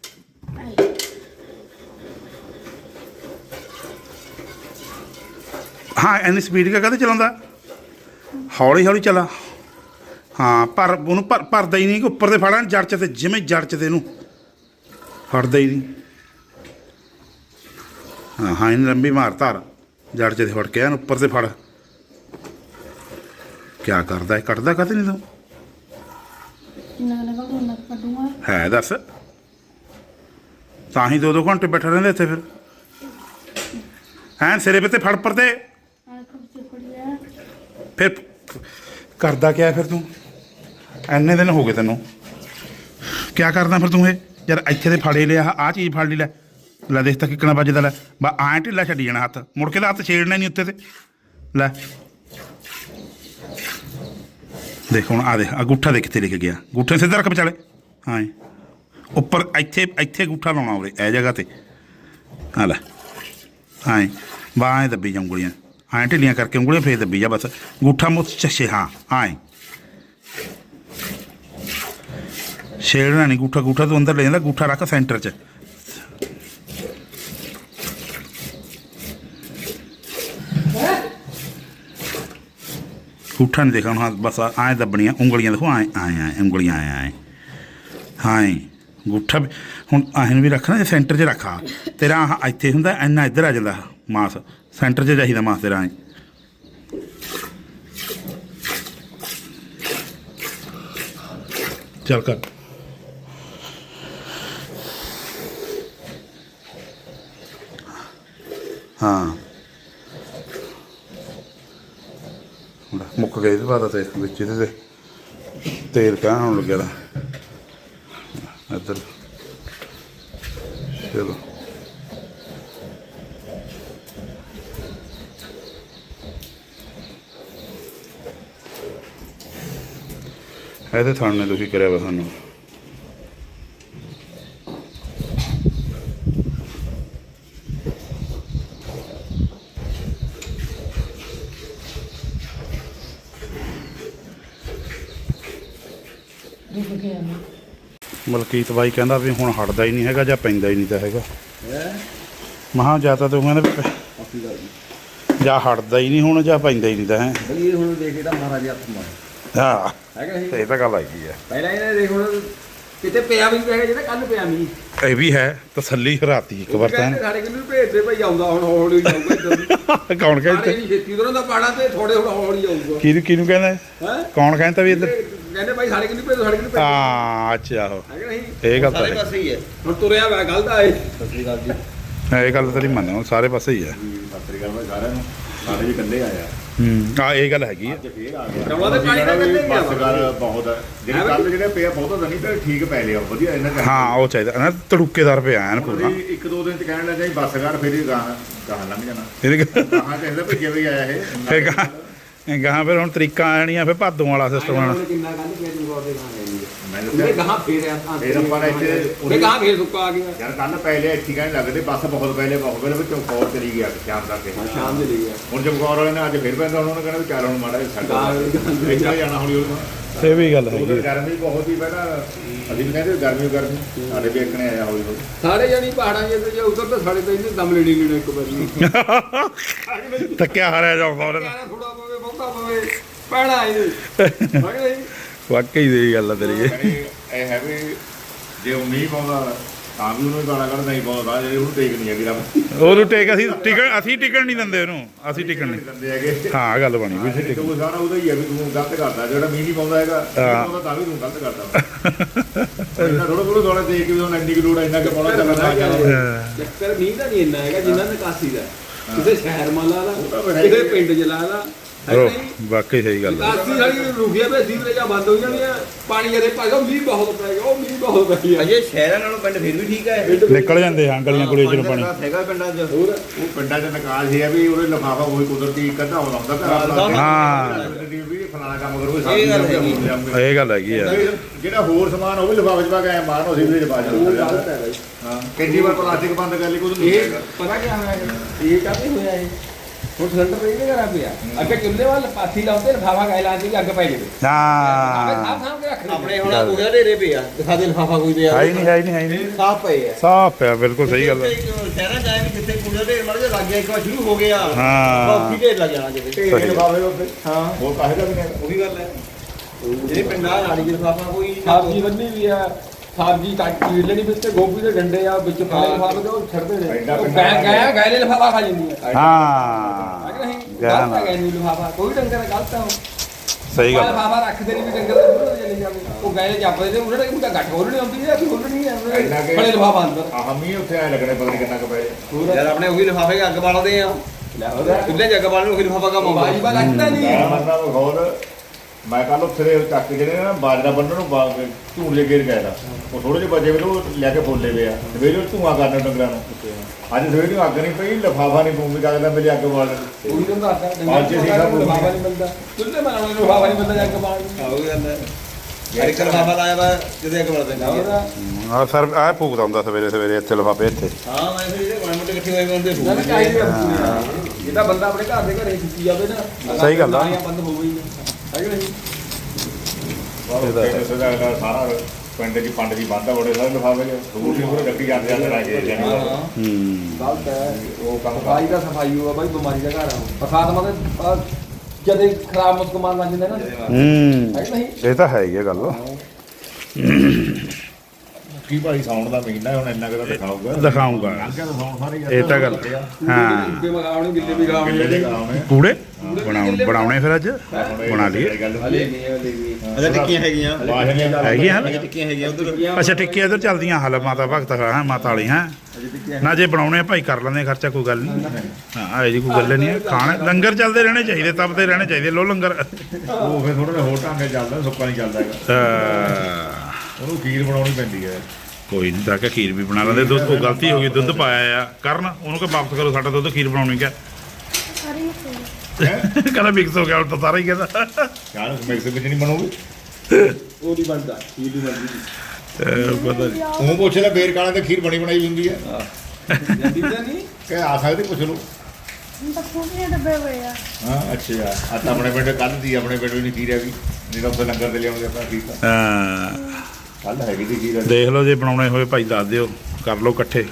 Speaker 2: ਹਾਂ ਇੰਨੀ ਸਪੀਡ ਕਾ ਕਦੇ ਚਲਾਉਂਦਾ? ਹੌਲੀ ਹੌਲੀ ਚਲਾ। ਹਾਂ ਪਰ ਉਹਨੂੰ ਭਰਦਾ ਹੀ ਨਹੀਂ ਕਿ ਉੱਪਰ ਤੇ ਫੜਾਂ ਜੜ 'ਚ ਤੇ ਜਿਵੇਂ ਜੜ 'ਚ ਤੇ ਇਹਨੂੰ ਫੜਦਾ ਹੀ ਨਹੀਂ। ਹਾਂ ਹਾਂ ਇਹਨੂੰ ਲੰਬੀ ਮਾਰ ਧਾਰ ਜੜ 'ਚ ਤੇ ਫੜ ਕੇ ਇਹਨੂੰ ਉੱਪਰ ਤੇ ਫੜ। ਕਿਆ ਕਰਦਾ ਹੈ ਕੱਢਦਾ ਕਦੇ ਨਹੀਂ ਤੂੰ?
Speaker 5: ਕਿੰਨਾ ਲਗਾ ਉਹਨਾਂ ਕੱਢੂਗਾ
Speaker 2: ਹੈ ਦੱਸ ਤਾਂ ਹੀ 2-2 ਘੰਟੇ ਬੈਠਾ ਰਹਿੰਦੇ ਇੱਥੇ ਫਿਰ ਹੈਂ ਸਿਰੇ 'ਤੇ ਫੜ ਪਰ ਤੇ
Speaker 5: ਆ ਕੁਝ ਪੜਿਆ
Speaker 2: ਫਿਰ ਕਰਦਾ ਕਿਆ ਫਿਰ ਤੂੰ? ਇੰਨੇ ਦਿਨ ਹੋ ਗਏ ਤੈਨੂੰ ਕਿਆ ਕਰਦਾ ਫਿਰ ਤੂੰ ਇਹ ਯਾਰ ਇੱਥੇ ਤੇ ਫੜੇ ਲਿਆ ਆਹ ਚੀਜ਼ ਫੜ ਲਈ ਲੈ ਦੇਖ ਤਾਂ ਕਿੱਕਣਾ ਵੱਜਦਾ ਲੈ ਬਾ ਐਂ ਢਿੱਲਾ ਛੱਡੀ ਜਾਣਾ ਹੱਥ ਮੁੜ ਕੇ ਤਾਂ ਹੱਥ ਛੇੜਨਾ ਨਹੀਂ ਉੱਤੇ ਤੇ ਲੈ ਦੇਖ ਹੁਣ ਆ ਦੇਖ ਅੰਗੂਠਾ ਦੇਖ ਕਿੱਥੇ ਲਿਖ ਗਿਆ ਅੰਗੂਠੇ ਸਿੱਧਾ ਰੱਖ ਵਿਚਾਲੇ ਹਾਂ ਉੱਪਰ ਇੱਥੇ ਅੰਗੂਠਾ ਲਾਉਣਾ ਉਰੇ ਇਹ ਜਗ੍ਹਾ ਤੇ ਆ ਲੈ ਹਾਂ ਬਾ ਐਂ ਦੱਬੀ ਜਾ ਉਂਗਲੀਆਂ ਐਂ ਢਿੱਲੀਆਂ ਕਰਕੇ ਉਂਗਲੀਆਂ ਫੇਰ ਦੱਬੀ ਜਾ ਬਸ ਅੰਗੂਠਾ ਮੁੱਤ ਚੱਛੇ ਹਾਂ ਐਂ ਛੇੜਨਾ ਨਹੀਂ ਅੰਗੂਠਾ ਤੂੰ ਅੰਦਰ ਲੈ ਜਾਂਦਾ ਅੰਗੂਠਾ ਰੱਖ ਸੈਂਟਰ 'ਚ ਅੰਗੂਠਾ ਨਹੀਂ ਦੇਖਣਾ ਹਾਂ ਬਸ ਐਂ ਦੱਬਣੀਆਂ ਉਂਗਲੀਆਂ ਦੇਖੋ ਐਂ ਉਂਗਲੀਆਂ ਐਂ ਹਾਂ ਅੰਗੂਠਾ ਹੁਣ ਐਂ ਵੀ ਰੱਖਣਾ ਜੇ ਸੈਂਟਰ 'ਚ ਰੱਖਾ ਤੇਰਾ ਆਹ ਇੱਥੇ ਹੁੰਦਾ ਇੰਨਾ ਇੱਧਰ ਆ ਜਾਂਦਾ ਮਾਸ ਸੈਂਟਰ 'ਚ ਚਾਹੀਦਾ ਮਾਸ ਤੇਰਾ ਐਂ ਚੱਲ ਕਰ ਹਾਂ ਮੁੱਕ ਗਏ ਇਹਦੇ ਬਾਅਦ ਤੇ ਵਿੱਚ ਇਹਦੇ ਤੇ ਤੇਲ ਕਾਹ ਹੋਣ ਲੱਗਿਆ ਦਾ ਇੱਧਰ ਚਲੋ ਇਹਦੇ ਥਾਣ ਨੇ ਤੁਸੀਂ ਕਰਿਆ ਵਾ ਸਾਨੂੰ ਮਲਕੀਤ ਬਾਈ ਕਹਿੰਦਾ ਵੀ ਹੁਣ ਹਟਦਾ ਹੀ ਨਹੀਂ ਹੈਗਾ ਜਾਂ ਪੈਂਦਾ ਹੀ ਨਹੀਂ ਤਾਂ ਹੈਗਾ ਮਹਾਂ ਜਾਂ ਤਾਂ ਤੂੰ ਕਹਿੰਦਾ ਵੀ ਜਾਂ ਹਟਦਾ ਹੀ ਨਹੀਂ ਹੁਣ ਜਾਂ ਪੈਂਦਾ ਹੀ ਨਹੀਂ ਤਾਂ ਹੈ
Speaker 1: ਇਹ ਹੁਣ ਦੇਖ ਇਹਦਾ ਮਹਾਰਾਜ ਹੱਥ ਮਾਰ
Speaker 2: ਹਾਂ
Speaker 1: ਹੈਗਾ
Speaker 2: ਇਹ ਤਾਂ ਗੱਲ ਹੈਗੀ ਆ
Speaker 1: ਪਹਿਲਾਂ ਇਹਨੇ ਦੇਖ ਹੁਣ ਕਿਤੇ ਪਿਆ ਵੀ ਨਹੀਂ ਹੈਗਾ ਜਿਹੜਾ ਕੱਲ ਪਿਆ ਮੀ
Speaker 2: ਇਹ ਵੀ ਹੈ ਤਸੱਲੀ ਹਰਾਤੀ ਇੱਕ ਵਾਰ ਤਾਂ
Speaker 1: ਸਾਡੇ ਕਿੰਨੂੰ ਭੇਜਦੇ ਭਾਈ ਆਉਂਦਾ ਹੁਣ ਹੌਲੀ ਜਾਊਗਾ ਇੱਧਰ
Speaker 2: ਕੌਣ ਕਹਿੰਦਾ
Speaker 1: ਨਹੀਂ ਛੇਤੀ ਉਧਰੋਂ ਦਾ ਪਾੜਾ ਤੇ ਥੋੜੇ ਹੁਣ ਹੌਲੀ ਜਾਊਗਾ
Speaker 2: ਕਿਹਨੂੰ ਕਹਿੰਦਾ
Speaker 1: ਹੈ
Speaker 2: ਕੌਣ ਕਹਿੰਦਾ ਵੀ ਇੱਧਰ
Speaker 1: ਕਹਿੰਦੇ ਭਾਈ ਸਾਡੇ ਕਿੰਨੂੰ ਭੇਜੋ ਸਾਡੇ ਕਿੰਨੂੰ ਭੇਜੋ
Speaker 2: ਹਾਂ ਅੱਛਾ ਉਹ
Speaker 1: ਹੈਗਾ ਨਹੀਂ
Speaker 2: ਇਹ ਗੱਲ ਤਾਂ ਹੈ
Speaker 3: ਪਾਸੇ ਹੀ ਹੈ
Speaker 1: ਹੁਣ ਤੁਰਿਆ ਵਾ ਗੱਲ ਦਾ ਇਹ
Speaker 3: ਸਤਿ ਸ੍ਰੀ ਅਕਾਲ ਜੀ
Speaker 2: ਇਹ ਗੱਲ ਤਾਂ ਨਹੀਂ ਮੰਨਦਾ ਹੁਣ ਸਾਰੇ ਪਾਸੇ ਹੀ ਹੈ
Speaker 3: ਸਤਿ ਸ੍ਰੀ ਅਕਾਲ ਮੈਂ ਸਾਰਿਆਂ ਨੂੰ ਸਾਰੇ ਜੀ ਇਕੱਲੇ ਆਇਆ
Speaker 2: ਆ ਇਹ ਗੱਲ ਹੈਗੀ ਆ
Speaker 3: ਅੱਜ ਫੇਰ ਆ ਗਿਆ
Speaker 1: ਰੌਲਾ ਤਾਂ ਪਾਣੀ ਦਾ ਕੱਢੇ ਗਿਆ
Speaker 3: ਬਸ ਗੱਲ ਬਹੁਤ ਹੈ ਜਿਹੜੇ ਕੱਲ ਜਿਹੜੇ ਪਿਆ ਬਹੁਤ ਨਹੀਂ ਤੇ ਠੀਕ ਪੈ ਲਿਆ ਵਧੀਆ ਇਹਨਾਂ ਦਾ
Speaker 2: ਹਾਂ ਉਹ ਚਾਹੀਦਾ ਨਾ ਤੜੂਕੇਦਾਰ ਪਿਆ ਐਨ ਪੂਰਾ
Speaker 3: ਇੱਕ ਦੋ ਦਿਨ ਚ ਕਹਿਣ ਲੱਗਾ ਜੀ ਬੱਸ ਕਰ ਫਿਰ ਹੀ ਗਾਹਾਂ ਲੰਘ ਜਾਣਾ
Speaker 2: ਇਹਦੇ
Speaker 3: ਗਾਹਾਂ ਤੇ ਇਹਦਾ ਭੇਜਿਆ ਵੀ ਆਇਆ ਇਹ
Speaker 2: ਫਿਰ ਗਾਹਾਂ ਫਿਰ ਹੁਣ ਤਰੀਕਾ ਆਣੀਆਂ ਫਿਰ ਭਾਦੋਂ ਵਾਲਾ ਸਿਸਟਮ ਆਣਾ
Speaker 1: ਕਿੰਨਾ ਕੱਲ ਪਿਆ ਜੂਗਾ ਉਹਦੇ ਗਾਂ ਲੈ ਲਈ
Speaker 3: ਮੈਂ
Speaker 1: ਉਹਦੇ ਗਾਂ ਫੇਰ ਆ
Speaker 3: ਫੇਰ ਆਪਾਂ ਨੇ ਇੱਥੇ
Speaker 1: ਉਹਦੇ ਗਾਂ ਫੇਰ ਸੁੱਕਾ ਆ ਗਿਆ
Speaker 3: ਯਾਰ ਕੱਲ ਪਹਿਲੇ ਇੱਥੇ ਕਹਿਣ ਲੱਗਦੇ ਬੱਸ ਬਹੁਤ ਪਹਿਲੇ ਵਿੱਚ ਚੌਕੌਰ ਚਲੀ ਗਿਆ ਸ਼ਾਮ ਤੱਕ
Speaker 1: ਸ਼ਾਮ ਦੇ ਲਈ ਗਿਆ
Speaker 3: ਹੁਣ ਚਮਕੌਰ ਵਾਲੇ ਨੇ ਅੱਜ ਫਿਰ ਪੈਂਦਾ ਉਹਨਾਂ ਨੇ ਕਹਿਣਾ ਵੀ ਚੱਲ ਹੁਣ ਮਾੜਾ ਸਾਡਾ ਇੱਥੇ ਜਾਣਾ ਹੌਲੀ ਹੌਲੀ
Speaker 2: ਇਹ ਵੀ ਗੱਲ
Speaker 3: ਉਧਰ
Speaker 2: ਹੈਗੀ
Speaker 3: ਗਰਮੀ ਬਹੁਤ ਹੀ ਪਹਿਲਾਂ ਅਸੀਂ ਵੀ ਕਹਿੰਦੇ ਗਰਮੀ ਸਾਡੇ ਵੀ ਇੱਕਣੇ ਆਇਆ ਹੌਲੀ ਹੌਲੀ
Speaker 1: ਸਾਰੇ ਜਾਨੀ ਪਹਾੜਾਂ ਦੇ ਜੇ ਉਧਰ ਤਾਂ ਸਾਡੇ ਤਾਂ ਇਹਨੇ ਦਮ ਲੈਣੀ ਲੈਣਾ ਇੱਕ ਵਾਰੀ
Speaker 2: ਥੱਕਿਆ ਹਾਰਿਆ ਜਾਂਦਾ ਉਹਨੇ
Speaker 1: ਥੋੜਾ ਪਵੇ ਬਹੁਤਾ ਪਵੇ ਪੈਣਾ ਇਹ
Speaker 2: ਵਾਕਈ ਦੀ ਗੱਲ ਆ ਤੇਰੀ
Speaker 3: ਇਹ ਹੈ ਵੀ ਜੇ ਉਹ ਨਹੀਂ ਪਾਉਂਦਾ ਤਾਂ ਵੀ ਉਹਨੂੰ ਗਾਲਾਂ ਕੱਢਦਾ ਹੀ ਪਾਉਂਦਾ ਜੇ ਉਹਨੂੰ ਟੇਕ ਨਹੀਂ ਹੈਗੀ ਰੱਬ
Speaker 2: ਉਹਨੂੰ ਟਿਕਣ ਨਹੀਂ ਦਿੰਦੇ ਉਹਨੂੰ ਅਸੀਂ ਟਿਕਣ ਨਹੀਂ
Speaker 3: ਦਿੰਦੇ ਹੈਗੇ
Speaker 2: ਹਾਂ ਗੱਲ ਬਣੀ ਵੀ ਅਸੀਂ
Speaker 3: ਤੂੰ ਸਾਰਾ ਉਹਦਾ ਹੀ ਹੈ ਵੀ ਤੂੰ ਗਲਤ ਕਰਦਾ ਜਿਹੜਾ ਮੀਂਹ ਨਹੀਂ ਪਾਉਂਦਾ ਹੈਗਾ ਪਾਉਂਦਾ ਤਾਂ ਵੀ ਤੂੰ ਗਲਤ ਕਰਦਾ ਇਹਨਾਂ ਥੋੜਾ ਦੇਖ ਕੇ ਵੀ ਹੁਣ ਇੰਨੀ ਕੁ ਲੋੜ ਇੰਨਾ ਕਿ ਪਾਉਣਾ ਚੱਲਦਾ
Speaker 1: ਚੱਕਰ ਮੀਂਹ ਦਾ ਨਹੀਂ ਇੰਨਾ ਹੈਗਾ ਜਿੰਨਾ ਨਿਕਾਸੀ ਦਾ ਕਿਸੇ ਸ਼ਹਿਰ ਮਾਲਾ ਦਾ ਕਿਸੇ ਪਿੰਡ ਚ ਲਾ ਲਾ
Speaker 2: ਵਾਕਈ ਸਹੀ ਗੱਲ ਹੈ।
Speaker 1: ਕਾਸੀ ਸਾਡੀ ਰੁਕਿਆ ਪਿਆ ਸੀਵਰੇਜਾਂ ਬੰਦ ਹੋ ਜਾਣੀਆਂ ਪਾਣੀ ਜਦੇ ਭਾਗਾ ਮੀਂਹ ਬਹੁਤ ਪੈ ਗਿਆ ਉਹ ਮੀਂਹ ਬਹੁਤ ਪੈ ਗਿਆ
Speaker 6: ਅਜੇ ਸ਼ਹਿਰਾਂ ਨਾਲੋਂ ਪਿੰਡ ਫਿਰ ਵੀ ਠੀਕ ਹੈ
Speaker 2: ਨਿਕਲ ਜਾਂਦੇ ਹਾਂ ਗਲੀਆਂ ਗੁਲੀਆਂ ਚੋਂ ਪਾਣੀ।
Speaker 6: ਹੈਗਾ ਪਿੰਡਾਂ 'ਚ
Speaker 3: ਉਹ ਪਿੰਡਾਂ 'ਚ ਨਿਕਾਸ ਇਹ ਆ ਵੀ ਉਹਦੇ ਲਿਫਾਫਾ ਉਹੀ ਕੁਦਰਤੀ ਇੱਕ ਅੱਧਾ ਲਾਉਂਦਾ ਘਰ
Speaker 2: ਹਾਂ।
Speaker 3: ਵੀ ਫਲਾਣਾ ਕੰਮ ਕਰੋ
Speaker 6: ਇਹ ਗੱਲ ਹੈਗੀ।
Speaker 2: ਇਹ ਗੱਲ ਹੈਗੀ ਆ।
Speaker 3: ਜਿਹੜਾ ਹੋਰ ਸਮਾਨ ਉਹ ਵੀ ਲਿਫਾਫੇ 'ਚ ਪਾ ਕੇ ਐਂ ਮਾਰਨ ਉਹ ਸੀਵਰੇਜ ਪਾ ਜਾਂਦਾ ਹਾਂ ਕਿੰਨੀ ਵਾਰ ਪਲਾਸਟਿਕ ਬੰਦ ਕਰ ਲਈ ਕੁਝ ਨਹੀਂ
Speaker 1: ਇਹ ਪਤਾ ਕੀ ਹੋਇਆ ਇਹ ਕਾਹਦੇ ਹੋਇਆ ਇਹ ਹੁਣ ਸਿਲੰਡਰ ਇਹ ਕਰਾ ਪਿਆ ਅੱਗੇ ਚੁੱਲ੍ਹੇ ਵੱਲ ਪਾਥੀ ਲਾਉਂਦੇ ਲਫਾਫਾ ਗਾਇ ਲਾਉਂਦੇ ਕਿ ਅੱਗ ਪੈ ਜਾਵੇ
Speaker 2: ਹਾਂ
Speaker 1: ਸਾਫ ਕੇ ਰੱਖ
Speaker 6: ਆਪਣੇ ਹੁਣ ਉਹਦਾ ਢੇਰੇ ਪਿਆ ਦਿਖਾ ਦੇ ਲਿਫਾਫਾ ਕੋਈ ਪਿਆ
Speaker 2: ਹੈ ਹੀ ਨਹੀਂ ਹੈ ਹੀ ਨਹੀਂ ਹੈ ਹੀ ਨਹੀਂ
Speaker 6: ਸਾਫ ਪਏ ਆ
Speaker 2: ਸਾਫ ਪਿਆ ਬਿਲਕੁਲ ਸਹੀ ਗੱਲ ਹੈ।
Speaker 6: ਸ਼ਹਿਰਾਂ ਜਾਏ ਵੀ ਜਿੱਥੇ ਕੂੜਾ ਢੇਰ ਮੜ ਜਾ ਲੱਗ ਗਿਆ ਇੱਕ ਵਾਰ ਸ਼ੁਰੂ ਹੋ ਗਿਆ
Speaker 2: ਹਾਂ।
Speaker 6: ਕਾਫੀ ਢੇਰ ਲੱਗ ਜਾਣਾ ਜਿੱਥੇ
Speaker 3: ਢੇਰ ਲਿਫਾਫੇ ਉੱਤੇ
Speaker 6: ਹਾਂ
Speaker 3: ਹੋਰ ਕਾਹੇ ਦਾ ਵੀ ਨਹੀਂ
Speaker 6: ਉਹੀ ਗੱਲ ਹੈ ਜਿਹੜੇ ਪਿੰਡਾਂ ਨਾਲੀ ਦੇ ਲਿਫਾਫਾ ਕੋਈ
Speaker 1: ਸਬਜ਼ੀ ਬੰਨੀ ਵੀ ਆ ਸਬਜ਼ੀ ਕੱਟ ਚੀਰ ਲੈਣੀ ਵਿੱਚ ਤੇ ਗੋਭੀ ਦੇ ਡੰਡੇ ਆ ਵਿੱਚ ਪਾਲੇ ਲਫਾਫੇ ਦੇ ਉਹ ਛੱਡਦੇ ਨੇ ਉਹ ਗਾਇ ਲੈ ਲਫਾਫਾ ਖਾ ਜਾਂਦੀ ਹੈ
Speaker 2: ਹਾਂ
Speaker 1: ਅਗਰ ਨਹੀਂ
Speaker 2: ਗਾਇ
Speaker 1: ਗਲਤ
Speaker 2: ਨਾਲ।
Speaker 1: ਹੈ ਗਾਇ ਨੂੰ ਲਫਾਫਾ ਕੋਈ ਡੰਗਰ ਗਲਤ ਆ
Speaker 2: ਸਹੀ ਗੱਲ ਹੈ।
Speaker 1: ਲਫਾਫਾ ਰੱਖਦੇ ਨਹੀਂ ਵੀ ਡੰਗਰ ਦੇ ਮੂਹਰੇ ਚਲੇ ਜਾਵੇ ਉਹ ਗਾਇ ਜਾਪਦੇ ਨੇ ਉਹਨਾਂ ਦਾ ਗੱਠ ਖੋਲਣੀ ਆਉਂਦੀ ਹੈ ਕਿ ਖੋਲਣੀ ਹੈ ਬੜੇ ਲਫਾਫਾ ਅੰਦਰ
Speaker 3: ਆਹਮੀ ਉੱਥੇ ਐ ਲੱਗਣੇ ਪਤਾ ਨਹੀਂ ਕਿੰਨਾ ਕੁ ਪਏ
Speaker 6: ਯਾਰ ਆਪਣੇ ਉਹੀ ਲਿਫਾਫੇ ਕੇ ਅੱਗ ਬਾਲਦੇ ਆ ਚੁੱਲ੍ਹੇ 'ਚ ਅੱਗ ਬਾਲਣ ਉਹੀ ਲਿਫਾਫਾ ਕੰਮ ਆਉਂਦਾ
Speaker 1: ਬਾਜੀ ਬਾ ਲੱਗਦਾ ਨਹੀਂ
Speaker 3: ਮੈਂ ਮੰਨਦਾ ਬਖੌਲ ਮੈਂ ਕੱਲ ਉੱਥੇ ਦੇ ਚੱਕ ਕੇ ਜਿਹੜੇ ਨਾ ਬਾਜਰਾ ਬੰਨਣ ਨੂੰ ਝੂੜ ਲੈ ਕੇ ਗਏ ਦਾ ਉਹ ਥੋੜੇ ਜਿਹੇ ਬਚੇ ਵੇ ਉਹ ਲੈ ਕੇ ਫੋਲੇ ਵੇ ਆ ਸਵੇਰੇ ਉਹ ਧੂਆਂ ਕਰਨਾ ਡੰਗਰਾਂ ਨੂੰ ਅੱਜ ਸਵੇਰੇ ਨੂੰ ਅੱਗ ਨਹੀਂ ਪਈ ਲਫਾਫਾ ਨਹੀਂ ਪੂੰਗੀ ਲੱਗਦਾ ਮੇਰੇ ਅੱਗ ਬਾਲ
Speaker 1: ਉਹੀ ਤਾਂ ਦੱਸਦਾ ਡੰਗਰ ਲਫਾਫਾ ਨਹੀਂ ਮਿਲਦਾ ਚੁੱਲ੍ਹੇ ਬਣਾਉਣ ਨੂੰ ਲਫਾਫਾ ਨਹੀਂ ਮਿਲਦਾ ਜੱਗ ਬਾਣ
Speaker 6: ਉਹੀ ਗੱਲ ਹੈ ਯਾਰ ਇੱਕ ਲਿਫਾਫਾ ਲਾਇਆ ਵਾ ਜਿਹਦੇ ਅੱਗ ਬਾਲਦੇ ਨੇ
Speaker 2: ਆ ਸਰ ਆ ਭੂਕਦਾ ਹੁੰਦਾ ਸਵੇਰੇ ਸਵੇਰੇ ਇੱਥੇ ਲਿਫਾਫੇ ਇੱਥੇ।
Speaker 6: ਹਾਂ ਮੈਂ ਫਿਰ ਜਿਹੜੇ ਮਾੜੇ ਮੋਟੇ ਇਕੱਠੇ ਹੋਏ ਹੁੰਦੇ
Speaker 1: ਨਾ ਚਾਹੀਦੀ ਇਹ ਤਾਂ ਬੰਦਾ ਆਪਣੇ ਘਰ ਦੇ ਘਰੇ ਸੁੱਤੀ ਜਾਵੇ ਨਾ
Speaker 2: ਸਹੀ ਗੱਲ ਆ।
Speaker 1: ਬੰਦ ਹੋ ਗਈ ਹੈ ਕਿ ਨਹੀਂ
Speaker 3: ਸਾਰਾ ਪਿੰਡ ਦੀ ਪੰਡ ਦੀ ਬੰਦ ਆ ਬੜੇ ਸਾਰੇ ਲਿਫਾਫੇ ਚ ਦੂਰ ਦੀ ਪੂਰੇ ਗੱਡੀ ਜਾਂਦੇ ਜਾਂਦੇ ਲੈ ਕੇ ਜਾਣੀ
Speaker 1: ਗਲਤ ਹੈ
Speaker 3: ਉਹ ਕੰਮ
Speaker 1: ਸਫਾਈ ਦਾ ਸਫਾਈ ਹੋਆ ਬਾਈ ਬਿਮਾਰੀ ਦਾ ਘਰ ਆ ਬਰਸਾਤ ਮਤਲਬ ਜਦੇ ਖਰਾਬ ਮੁਸਕਮਾਨ ਲੱਗ ਜਾਂਦੇ ਨਾ ਹੈ ਕਿ ਨਹੀਂ
Speaker 2: ਇਹ ਤਾਂ ਹੈ ਹੀ ਆ ਗੱਲ।
Speaker 3: ਕੀ ਭਾਈ ਸਾਉਣ ਦਾ ਮਹੀਨਾ ਹੁਣ ਇੰਨਾ ਕੁ ਦਿਖਾਊਗਾ
Speaker 2: ਦਿਖਾਊਗਾ।
Speaker 3: ਅੱਗੇ ਤਾਂ ਸਾਉਣ ਸਾਰੇ
Speaker 2: ਇਹ ਤਾਂ ਗੱਲ ਹਾਂ।
Speaker 1: ਗਿੱਲੇ ਮਗਾਉਣੇ ਗਿੱਲੇ ਵੀ ਗਾਉਣੇ
Speaker 3: ਕਿੱਲੇ ਦੇ ਗਾਉਣੇ
Speaker 2: ਕੂੜੇ ਬਣਾਉਣੇ ਫਿਰ ਅੱਜ ਬਣਾ ਲਈਏ।
Speaker 1: ਹਲੇ ਨਹੀਂ
Speaker 6: ਅੱਛਾ ਟਿੱਕੀਆਂ ਹੈਗੀਆਂ
Speaker 2: ਹੈਗੀਆਂ ਹਨ।
Speaker 6: ਟਿੱਕੀਆਂ ਹੈਗੀਆਂ ਉਧਰ
Speaker 2: ਅੱਛਾ ਟਿੱਕੀਆਂ ਇੱਧਰ ਚੱਲਦੀਆਂ ਹਾਲ ਮਾਤਾ ਭਗਤ ਹੈ ਮਾਤਾ ਵਾਲੀ ਹੈ ਨਾ ਜੇ ਬਣਾਉਣੇ ਆ ਭਾਈ ਕਰ ਲੈਂਦੇ ਖਰਚਾ ਕੋਈ ਗੱਲ ਨਹੀਂ। ਹਾਂ ਇਹ ਜੀ ਕੋਈ ਗੱਲ ਨਹੀਂ ਹੈ। ਖਾਣੇ ਲੰਗਰ ਚੱਲਦੇ ਰਹਿਣੇ ਚਾਹੀਦੇ ਤਪਦੇ ਰਹਿਣੇ ਚਾਹੀਦੇ ਲੋ ਲੰਗਰ।
Speaker 3: ਉਹ ਫਿਰ ਥੋੜਾ ਜਿਹਾ ਹੋਰ ਢੰਗ ਚੱਲਦਾ ਸੁੱਕਾ ਨਹੀਂ ਚੱਲਦਾ ਹੈਗਾ ਉਹਨੂੰ ਖੀਰ ਬਣਾਉਣੀ ਪੈਂਦੀ ਹੈ।
Speaker 2: ਕੋਈ ਨਹੀਂ ਤਾਂ ਕਿ ਖੀਰ ਵੀ ਬਣਾ ਲੈਂਦੇ ਦੁੱਧ ਉਹ ਗਲਤੀ ਹੋ ਗਈ ਦੁੱਧ ਪਾਇਆ ਆ ਕਰਨ ਉਹਨੂੰ ਕਿ ਵਾਪਸ ਕਰੋ ਸਾਡਾ ਦੁੱਧ ਖੀਰ ਬਣਾਉਣੀ ਕਿਆ
Speaker 5: ਸਾਰੀ
Speaker 2: ਕਹਿੰਦਾ ਮਿਕਸ ਹੋ ਗਿਆ ਹੁਣ ਤਾਂ ਸਾਰਾ ਹੀ ਕਹਿੰਦਾ
Speaker 3: ਯਾਰ ਮਿਕਸ ਵਿੱਚ ਨਹੀਂ ਬਣੂਗੀ
Speaker 1: ਉਹ ਨਹੀਂ ਬਣਦਾ ਇਹ ਨਹੀਂ ਬਣਦੀ
Speaker 2: ਪਤਾ ਨਹੀਂ
Speaker 3: ਉਹ ਪੁੱਛ ਲੈ ਬੇਰ ਕਾਲੇ ਤੇ ਖੀਰ ਬਣੀ ਬਣਾਈ ਹੁੰਦੀ ਹੈ
Speaker 1: ਜਾਂਦੀ ਤਾਂ ਨਹੀਂ
Speaker 3: ਕਿ ਆ ਸਕਦੇ ਪੁੱਛ ਲਓ
Speaker 5: ਹੁਣ ਤਾਂ ਖੂਬੀਆਂ ਡੱਬੇ ਹੋਏ ਆ
Speaker 3: ਹਾਂ ਅੱਛਾ ਆ ਤਾਂ ਆਪਣੇ ਪਿੰਡ ਕੱਲ ਦੀ ਆਪਣੇ ਪਿੰਡ ਵੀ ਨਹੀਂ ਖੀਰ ਹੈਗੀ ਜਿਹੜਾ ਉੱਥੇ ਲੰਗਰ ਤੇ ਲਿਆਉਂਦੇ ਆਪਣਾ ਖੀਰ ਤਾਂ
Speaker 2: ਹਾਂ
Speaker 3: ਕੱਲ ਹੈਗੀ ਦੀ ਖੀਰ
Speaker 2: ਦੇਖ ਲਓ ਜੇ ਬਣਾਉਣੇ ਹੋਏ ਭਾਈ ਦੱਸ ਦਿਓ ਕਰ ਲਓ ਇਕੱਠੇ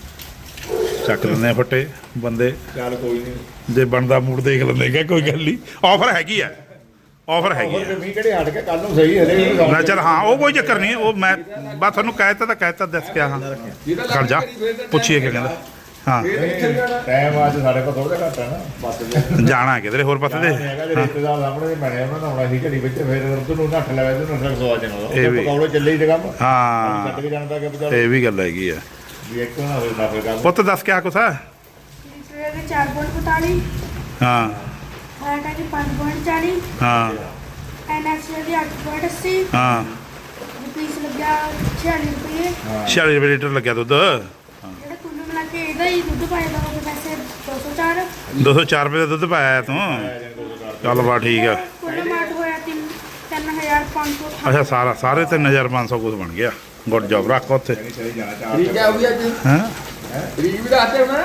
Speaker 2: ਚੱਕ ਲੈਂਦੇ ਆ ਫੱਟੇ ਬੰਦੇ
Speaker 3: ਚੱਲ ਕੋਈ ਨਹੀਂ
Speaker 2: ਜੇ ਬਣਦਾ ਮੂਡ ਦੇਖ ਲੈਂਦੇ ਕਿ ਕੋਈ ਗੱਲ ਨਹੀਂ ਆਫਰ ਹੈਗੀ ਆ ਆਫਰ ਹੈਗੀ ਆ
Speaker 3: ਮੀਂਹ ਕਿਹੜੇ ਹਟ ਕੇ ਕੱਲ ਨੂੰ ਸਹੀ ਹਲੇ
Speaker 2: ਨਾ ਚੱਲ ਹਾਂ ਉਹ ਕੋਈ ਚੱਕਰ ਨਹੀਂ ਉਹ ਮੈਂ ਬਸ ਤੁਹਾਨੂੰ ਕਹਿਤਾ ਦੱਸ ਕੇ ਹਾਂ ਖੜ ਜਾ ਪੁੱਛੀਏ ਕੀ ਕਹਿੰਦਾ ਹਾਂ
Speaker 3: ਟਾਈਮ ਅੱਜ ਸਾਡੇ ਕੋਲ ਥੋੜਾ ਜਿਹਾ ਘੱਟ ਹੈ ਨਾ ਬਸ
Speaker 2: ਜਾਣਾ ਕਿਧਰੇ ਹੋਰ ਪਾਸੇ ਦੇ
Speaker 3: ਹੈਗਾ ਜੇ ਰਿਸ਼ਤੇਦਾਰ ਸਾਹਮਣੇ ਦੇ ਬਣੇ ਉਹਨਾਂ ਨੂੰ ਆਉਣਾ ਸੀ ਘੜੀ ਵਿੱਚ ਫਿਰ ਉਧਰ ਨੂੰ ਨੱਠ ਲਵੇ ਤੇ ਨੱਠ ਸਵਾ ਜਣਾ
Speaker 2: ਇਹ ਵੀ।
Speaker 3: ਪਕੌੜੇ ਚੱਲੇ ਹੀ ਤੇ ਕੰਮ
Speaker 2: ਹਾਂ
Speaker 3: ਛੱਡ ਕੇ ਜਾਣਦਾ ਕਿ ਬਚਾ
Speaker 2: ਇਹ ਵੀ ਗੱਲ ਹੈਗੀ ਆ
Speaker 3: ਵੀ ਇੱਕ ਨਾ ਹੋਵੇ ਨਾ ਫਿਰ ਕੰਮ
Speaker 2: ਪੁੱਤ ਦੱਸ ਕਿਆ ਕੁਛ ਆ
Speaker 5: ਸਵੇਰ ਦੇ 4.45
Speaker 2: ਹਾਂ
Speaker 5: ਫਾਟਾ ਦੀ 5.40
Speaker 2: ਹਾਂ
Speaker 5: ਐਨਐਕਸ ਦੀ 8.80
Speaker 2: ਹਾਂ
Speaker 5: ਰੁਪੀਸ ਲੱਗਿਆ 46 ਰੁਪਏ
Speaker 2: 46 ਰੁਪਏ ਲੀਟਰ ਲੱਗਿਆ ਦੁੱਧ
Speaker 5: ਜਿਹੜਾ ਕੁੱਲ ਮਿਲਾ ਕੇ ਇਹਦਾ ਹੀ ਦੁੱਧ ਪਾਇਆ ਦਾ ਉਹ ਪੈਸੇ 204
Speaker 2: 204 ਰੁਪਏ ਦਾ ਦੁੱਧ ਪਾਇਆ ਤੂੰ ਚੱਲ ਬਾ ਠੀਕ ਆ
Speaker 5: ਕੁੱਲ ਮਾਟ ਹੋਇਆ 3500
Speaker 2: ਅੱਛਾ ਸਾਰੇ 3500 ਕੁਝ ਬਣ ਗਿਆ ਗੁੱਡ ਜੌਬ ਰੱਖ ਉੱਥੇ
Speaker 3: ਚਲੀ ਜਾਣਾ ਚਾਰ
Speaker 1: ਠੀਕ ਹੈ ਉਹ ਵੀ ਅੱਜ
Speaker 2: ਹਾਂ
Speaker 1: ਰੀਜ ਵੀ ਦੱਸਦੇ ਹੋਣਾ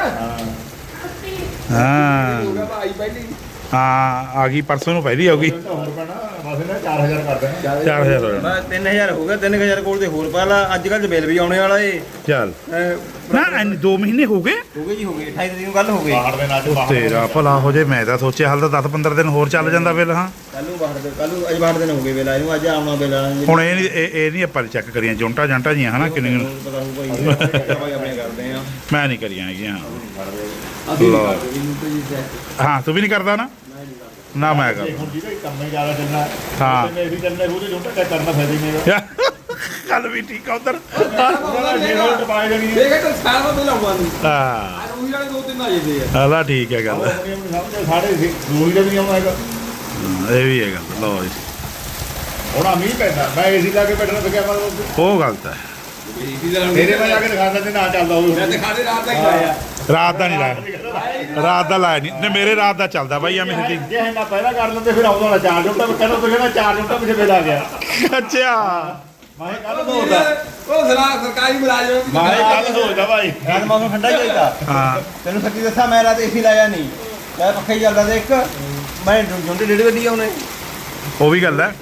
Speaker 2: ਹਾਂ
Speaker 1: ਹੋਗਾ ਭਾਈ ਪਹਿਲੀ
Speaker 2: ਹਾਂ ਆ ਗਈ ਪਰਸੋਂ ਨੂੰ ਪਹਿਲੀ ਆਉਗੀ
Speaker 3: ਹੋਰ ਪੈਣਾ ਬਸ ਇਹਨਾਂ 4000 ਕਰ ਦੇਣਾ
Speaker 2: 4000 ਹੋ ਜਾਣਾ
Speaker 6: ਬਸ 3000 ਹੋ ਗਿਆ 3000 ਕੋਲ ਤੇ ਹੋਰ ਪਾ ਲਾ ਅੱਜ ਕੱਲ ਬਿੱਲ ਵੀ ਆਉਣੇ ਵਾਲਾ ਏ
Speaker 2: ਚੱਲ
Speaker 6: ਹੋ
Speaker 2: ਨਾ 2 ਮਹੀਨੇ ਹੋ ਗਏ
Speaker 6: ਗਏ ਜੀ ਹੋ ਗਏ 28 ਤਰੀਕ ਨੂੰ ਗੱਲ ਹੋ ਗਈ
Speaker 3: ਬਾਹਰ ਦੇ ਨਾਲ ਬਾਹਰ
Speaker 2: ਤੇਰਾ ਭਲਾ ਹੋ ਜੇ ਮੈਂ ਤਾਂ ਸੋਚਿਆ ਹਾਲ ਤਾਂ 10-15 ਦਿਨ ਹੋਰ ਚੱਲ ਜਾਂਦਾ ਬਿੱਲ ਹਾਂ
Speaker 6: ਕੱਲ ਨੂੰ ਅੱਜ ਬਾਹਰ ਦਿਨ ਹੋ ਗਏ ਬਿੱਲ ਆਏ ਨੂੰ ਅੱਜ ਆਉਣਾ ਬਿੱਲ ਆਣਾ ਜੀ
Speaker 2: ਹੁਣ ਇਹ ਨਹੀਂ ਆਪਾਂ ਚੈੱਕ ਕਰੀਆਂ ਜੁੰਟਾ ਜਾਂਟਾ ਜੀਆਂ ਹਨਾ ਕਿੰਨੇ
Speaker 6: ਪਤਾ ਹੋਊ ਭਾਈ ਆਪਣੇ ਕਰਦੇ ਆ
Speaker 2: ਮੈਂ ਨਹੀਂ ਕਰੀਆਂ ਹੈਗੀਆਂ
Speaker 1: ਅਸੀਂ
Speaker 2: ਲਓ।
Speaker 1: ਇਹਨੂੰ ਤਾਂ ਜੀ check
Speaker 2: ਹਾਂ ਤੂੰ ਵੀ ਨਹੀਂ ਕਰਦਾ ਨਾ ਨਾ ਮੈਂ ਕਰਦਾ
Speaker 3: ਹੁਣ ਜਿਹਦਾ ਕੰਮ ਹੀ ਜ਼ਿਆਦਾ ਚੱਲਣਾ
Speaker 2: ਹਾਂ।
Speaker 3: ਤੇ ਵੀ ਚੱਲਣਾ ਉਹਦੇ ਜੋਟਾ ਚੈੱਕ ਕਰਨਾ ਫਾਇਦਾ ਹੀ ਨਹੀਂ
Speaker 2: ਗੱਲ ਵੀ ਠੀਕ ਆ ਉਧਰ
Speaker 3: ਉਹਦਾ ਜੇ ਰੋਲ ਟਪਾਏ ਜਾਣੀ ਹੈ
Speaker 1: ਦੇਖ ਤਾਂ ਸਾਲ ਬਾਅਦ ਲਾਉਣਾ ਨਹੀਂ
Speaker 2: ਹਾਂ
Speaker 1: ਆ ਰੂਹੀ ਵਾਲੇ ਦੋ ਤਿੰਨ ਆ ਜਾਂਦੇ ਆ
Speaker 2: ਹਲਾ ਠੀਕ ਹੈ ਗੱਲ
Speaker 3: ਆਪਣੀ ਆਪਣੀ ਸਮਝ ਸਾਡੇ ਰੂਹੀ ਦਾ ਵੀ ਨਹੀਂ ਆਉਣਾ ਹੈਗਾ
Speaker 2: ਇਹ ਵੀ ਹੈ ਗੱਲ। ਲਓ ਜੀ,
Speaker 3: ਹੁਣ ਆ ਮੀਂਹ ਪੈਂਦਾ, ਮੈਂ ਏਸੀ ਲਾ ਕੇ ਬੈਠਣਾ ਪਿਆ ਮਤਲਬ
Speaker 2: ਉਹ ਗਲਤ ਹੈ।
Speaker 3: ਮੇਰੇ ਮੈਂ ਜਾ ਕੇ ਦਿਖਾ ਦਿੰਦੇ ਨਾ ਚੱਲਦਾ ਹੋਵੇ।
Speaker 1: ਮੈਂ ਦਿਖਾ ਦੇ ਰਾਤ ਤੱਕ ਆਇਆ
Speaker 2: ਰਾਤ ਦਾ ਨਹੀਂ ਲਾਇਆ, ਰਾਤ ਦਾ ਲਾਇਆ ਨਹੀਂ। ਮੇਰੇ ਰਾਤ ਦਾ ਚੱਲਦਾ ਬਾਈ ਐਵੇਂ ਸਿੱਧੀ।
Speaker 3: ਜੇ ਇਹਨਾਂ ਪਹਿਲਾਂ ਕਰ ਲੈਂਦੇ ਫਿਰ ਆਉਂਦਾ ਨਾ 4 ਜੁੱਟਾ ਕਹਿੰਦਾ ਤੁਸੀਂ ਕਹਿੰਦਾ 4 ਜੁੱਟਾ ਪਿੱਛੇ ਬਿਲ ਆ ਗਿਆ।
Speaker 2: ਅੱਛਾ,
Speaker 3: ਮੈਂ ਕੱਲ ਸੋਚਦਾ,
Speaker 1: ਉਹ ਸਰਕਾਰੀ ਮੁਲਾਜ਼ਮ
Speaker 3: ਮੈਂ ਕੱਲ ਸੋਚਦਾ ਭਾਈ
Speaker 6: ਰਾਤ ਮੌਸਮ ਠੰਡਾ ਚਾਹੀਦਾ।
Speaker 2: ਹਾਂ
Speaker 6: ਤੈਨੂੰ ਸੱਚੀ ਦੱਸਾਂ, ਮੈਂ ਰਾਤ ਏਸੀ ਲਾਇਆ ਨਹੀਂ, ਮੈਂ ਪੱਖਾ ਹੀ ਚੱਲਦਾ ਤੇ ਇੱਕ ਮੈਂ ਜੁੰਡੇ 1:30 ਵਜੇ ਆਉਣੇ।
Speaker 2: ਉਹ ਵੀ ਗੱਲ ਹੈ।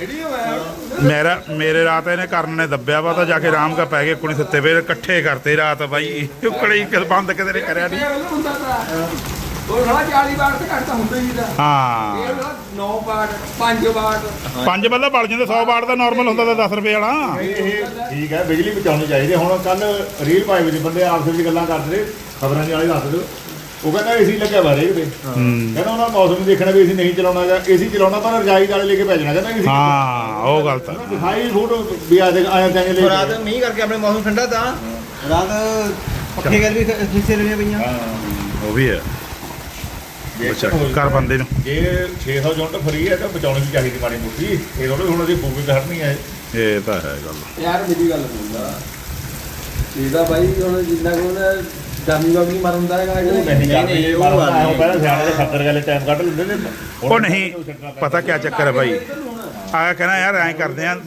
Speaker 2: ਮੇਰੇ ਰਾਤ ਇਹਨੇ ਕਰਨ ਨੇ ਦੱਬਿਆ ਵਾ ਤਾਂ ਜਾ ਕੇ ਆਰਾਮ ਕਾ ਪੈ ਗਏ ਕੁਣੀ ਸੁੱਤੇ ਪਏ ਇਕੱਠੇ ਕਰਤੇ ਰਾਤ ਬਾਈ। ਉਕੜੀ ਬੰਦ ਕਿਤੇ ਨੇ ਕਰਿਆ ਨਹੀਂ।
Speaker 1: ਹੁੰਦਾ ਤਾਂ ਉਹ ਸਾਲਾ 40 ਵਾਰ ਤੇ ਘੱਟ ਤਾਂ ਹੁੰਦਾ ਹੀ ਨਹੀਂ।
Speaker 2: ਹਾਂ
Speaker 1: ਇਹ 9 ਵਾਰ 5 ਵਾਰ
Speaker 2: 5 ਬੱਲੇ ਬਲ ਜਾਂਦੇ, 100 ਵਾਟ ਦਾ ਨਾਰਮਲ ਹੁੰਦਾ ਤਾਂ 10 ਰੁਪਏ ਵਾਲਾ।
Speaker 3: ਇਹ ਠੀਕ ਹੈ, ਬਿਜਲੀ ਬਚਾਉਣੀ ਚਾਹੀਦੀ। ਹੁਣ ਕੱਲ ਰੀਲ ਪਾਈ ਵਿੱਚ ਬੰਦੇ ਆਪਸ ਵਿੱਚ ਗੱਲਾਂ ਕਰਦੇ ਰਹੇ, ਖਬਰਾਂ ਦੇ ਵਾਲੇ ਦੱਸਦੇ, ਉਹ ਕਹਿੰਦਾ ਏਸੀ ਲੱਗਿਆ ਵਾ ਰੇਕ ਤੇ, ਕਹਿੰਦਾ ਉਹਨਾਂ ਮੌਸਮ ਦੇਖਣਾ ਵੀ ਏਸੀ ਨਹੀਂ ਚਲਾਉਣਾ ਹੈਗਾ, ਏਸੀ ਚਲਾਉਣਾ ਪਰ ਰਜਾਈ ਵਾਲੇ ਲੈ ਕੇ ਭੇਜਣਾ, ਕਹਿੰਦਾ ਏਸੀ
Speaker 2: ਹਾਂ ਉਹ ਗੱਲ ਤਾਂ
Speaker 3: ਦਿਖਾਈ ਫੋਟੋ ਵੀ ਆ ਦੇ ਆਇਆ ਤਾਂ ਲੈ
Speaker 6: ਰਾਤ ਮੀਂਹ ਕਰਕੇ ਆਪਣੇ ਮੌਸਮ ਠੰਡਾ ਤਾਂ ਰਾਤ ਪੱਖੇ ਗੱਲ ਵੀ ਫਿੱਸੇ ਰਹਿਣੀਆਂ ਪਈਆਂ।
Speaker 2: ਉਹ ਵੀ ਹੈ। ਅੱਛਾ ਘਰ ਬੰਦੇ ਨੂੰ
Speaker 3: ਜੇ 600 ਯੂਨਿਟ ਫਰੀ ਹੈ ਤਾਂ ਬਚਾਉਣੀ ਵੀ ਚਾਹੀਦੀ ਮਾੜੀ ਮੋਟੀ। ਇਹ ਥੋੜੇ ਹੁਣ ਅਸੀਂ ਫੂਕੀ ਕਰਨੀ ਹੈ।
Speaker 2: ਇਹ ਤਾਂ ਹੈ ਗੱਲ।
Speaker 1: ਯਾਰ ਮੇਰੀ ਗੱਲ ਸੁਣਦਾ ਇਹਦਾ ਬਾਈ ਹੁਣ ਜਿੰਨਾ ਕੋ ਨਾ ਗਰਮੀ ਵਰਗੀ ਮਰਦਾ ਹੈਗਾ
Speaker 3: ਨਹੀਂ ਉਹ ਪਹਿਲਾਂ ਸਿਆਣੇ ਦੇ 70 ਗਾਲੇ ਟਾਈਮ ਕੱਢ ਲੈਂਦੇ ਨੇ।
Speaker 2: ਉਹ ਨਹੀਂ ਪਤਾ ਕੀ ਚੱਕਰ ਹੈ ਭਾਈ, ਆ ਕਹਿੰਦਾ ਯਾਰ ਐਂ ਕਰਦੇ ਆ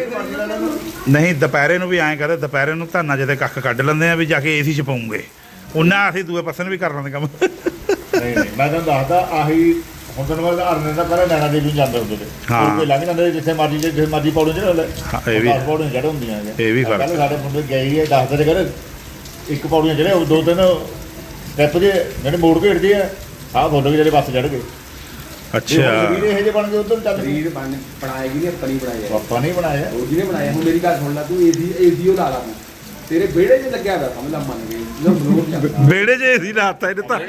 Speaker 2: ਨਹੀਂ, ਦੁਪਹਿਰੇ ਨੂੰ ਵੀ ਐਂ ਕਰਦੇ, ਦੁਪਹਿਰੇ ਨੂੰ ਧਾਨਾ ਜਿਹਦੇ ਕੱਖ ਕੱਢ ਲੈਂਦੇ ਆ ਵੀ ਜਾ ਕੇ ਏਸੀ ਚ ਪਾਉਂਗੇ, ਉਹਨਾਂ ਅਸੀਂ ਦੂਏ ਪਾਸੇ ਨੂੰ ਵੀ ਕਰ ਲੈਂਦੇ ਕੰਮ।
Speaker 3: ਨਹੀਂ ਮੈਂ ਤੁਹਾਨੂੰ ਦੱਸਦਾ ਆਹੀ ਹੁਣ ਤੈਨੂੰ ਮੈਂ ਅਰਨੇ ਦਾ ਪਹਿਲਾਂ ਨੈਣਾ ਦੇਵੀ ਨੂੰ ਜਾਂਦੇ ਹੁੰਦੇ ਤੇ
Speaker 2: ਹਾਂ।
Speaker 3: ਕੋਈ ਲੰਘ ਜਾਂਦੇ ਜਿੱਥੇ ਮਰਜੀ ਪੌੜੀਆਂ ਚੜ੍ਹ
Speaker 2: ਹਾਂ, ਇਹ ਵੀ
Speaker 3: ਪੌੜੀਆਂ ਚੜ੍ਹ ਹੁੰਦੀਆਂ ਹੈਗੀਆਂ।
Speaker 2: ਇਹ ਵੀ ਫਰਕ
Speaker 3: ਪਹਿਲਾਂ ਸਾਡੇ ਮੁੰਡੇ ਗਏ ਹੈ ਦੱਸਦੇ ਨੇ, ਕਹਿੰਦੇ ਇੱਕ ਪੌੜੀਆਂ ਚੜ੍ਹੇ, ਉਹ 2-3 ਸਟੈਪ ਜੇ ਜਿਹੜੇ ਮੋੜ ਘੇੜਦੇ ਆ, ਆਹ ਫੋਟੋ ਵੀ ਜਿਹੜੇ ਬੱਸ ਚੜ੍ਹ ਗਏ।
Speaker 2: ਅੱਛਾ
Speaker 3: ਵੀਰੇ ਇਹ ਜੇ ਬਣ ਗਏ ਉਧਰ ਚੱਲ
Speaker 1: ਸਰੀਰ ਬਣਾਏਗੀ ਨਹੀਂ ਆਪਣੀ ਬਣਾਇਆ
Speaker 3: ਪਾਪਾ ਨਹੀਂ ਬਣਾਇਆ।
Speaker 1: ਉਹ ਜਿਹਨੇ ਬਣਾਇਆ। ਹੁਣ ਮੇਰੀ ਗੱਲ ਸੁਣ ਲੈ, ਤੂੰ ਏਸੀ ਉਹ ਲਾ ਲਾ ਤੂੰ, ਤੇਰੇ ਵਿਹੜੇ 'ਚ ਲੱਗਿਆ ਹੋਇਆ ਸਮਝ ਲਾ, ਮੰਨ ਗਈ ਜਦੋਂ ਬਲੋਰ ਜਾਂਦਾ
Speaker 2: ਵਿਹੜੇ 'ਚ ਏਸੀ ਲਾਤਾ ਇਹਨੇ ਤਾਂ।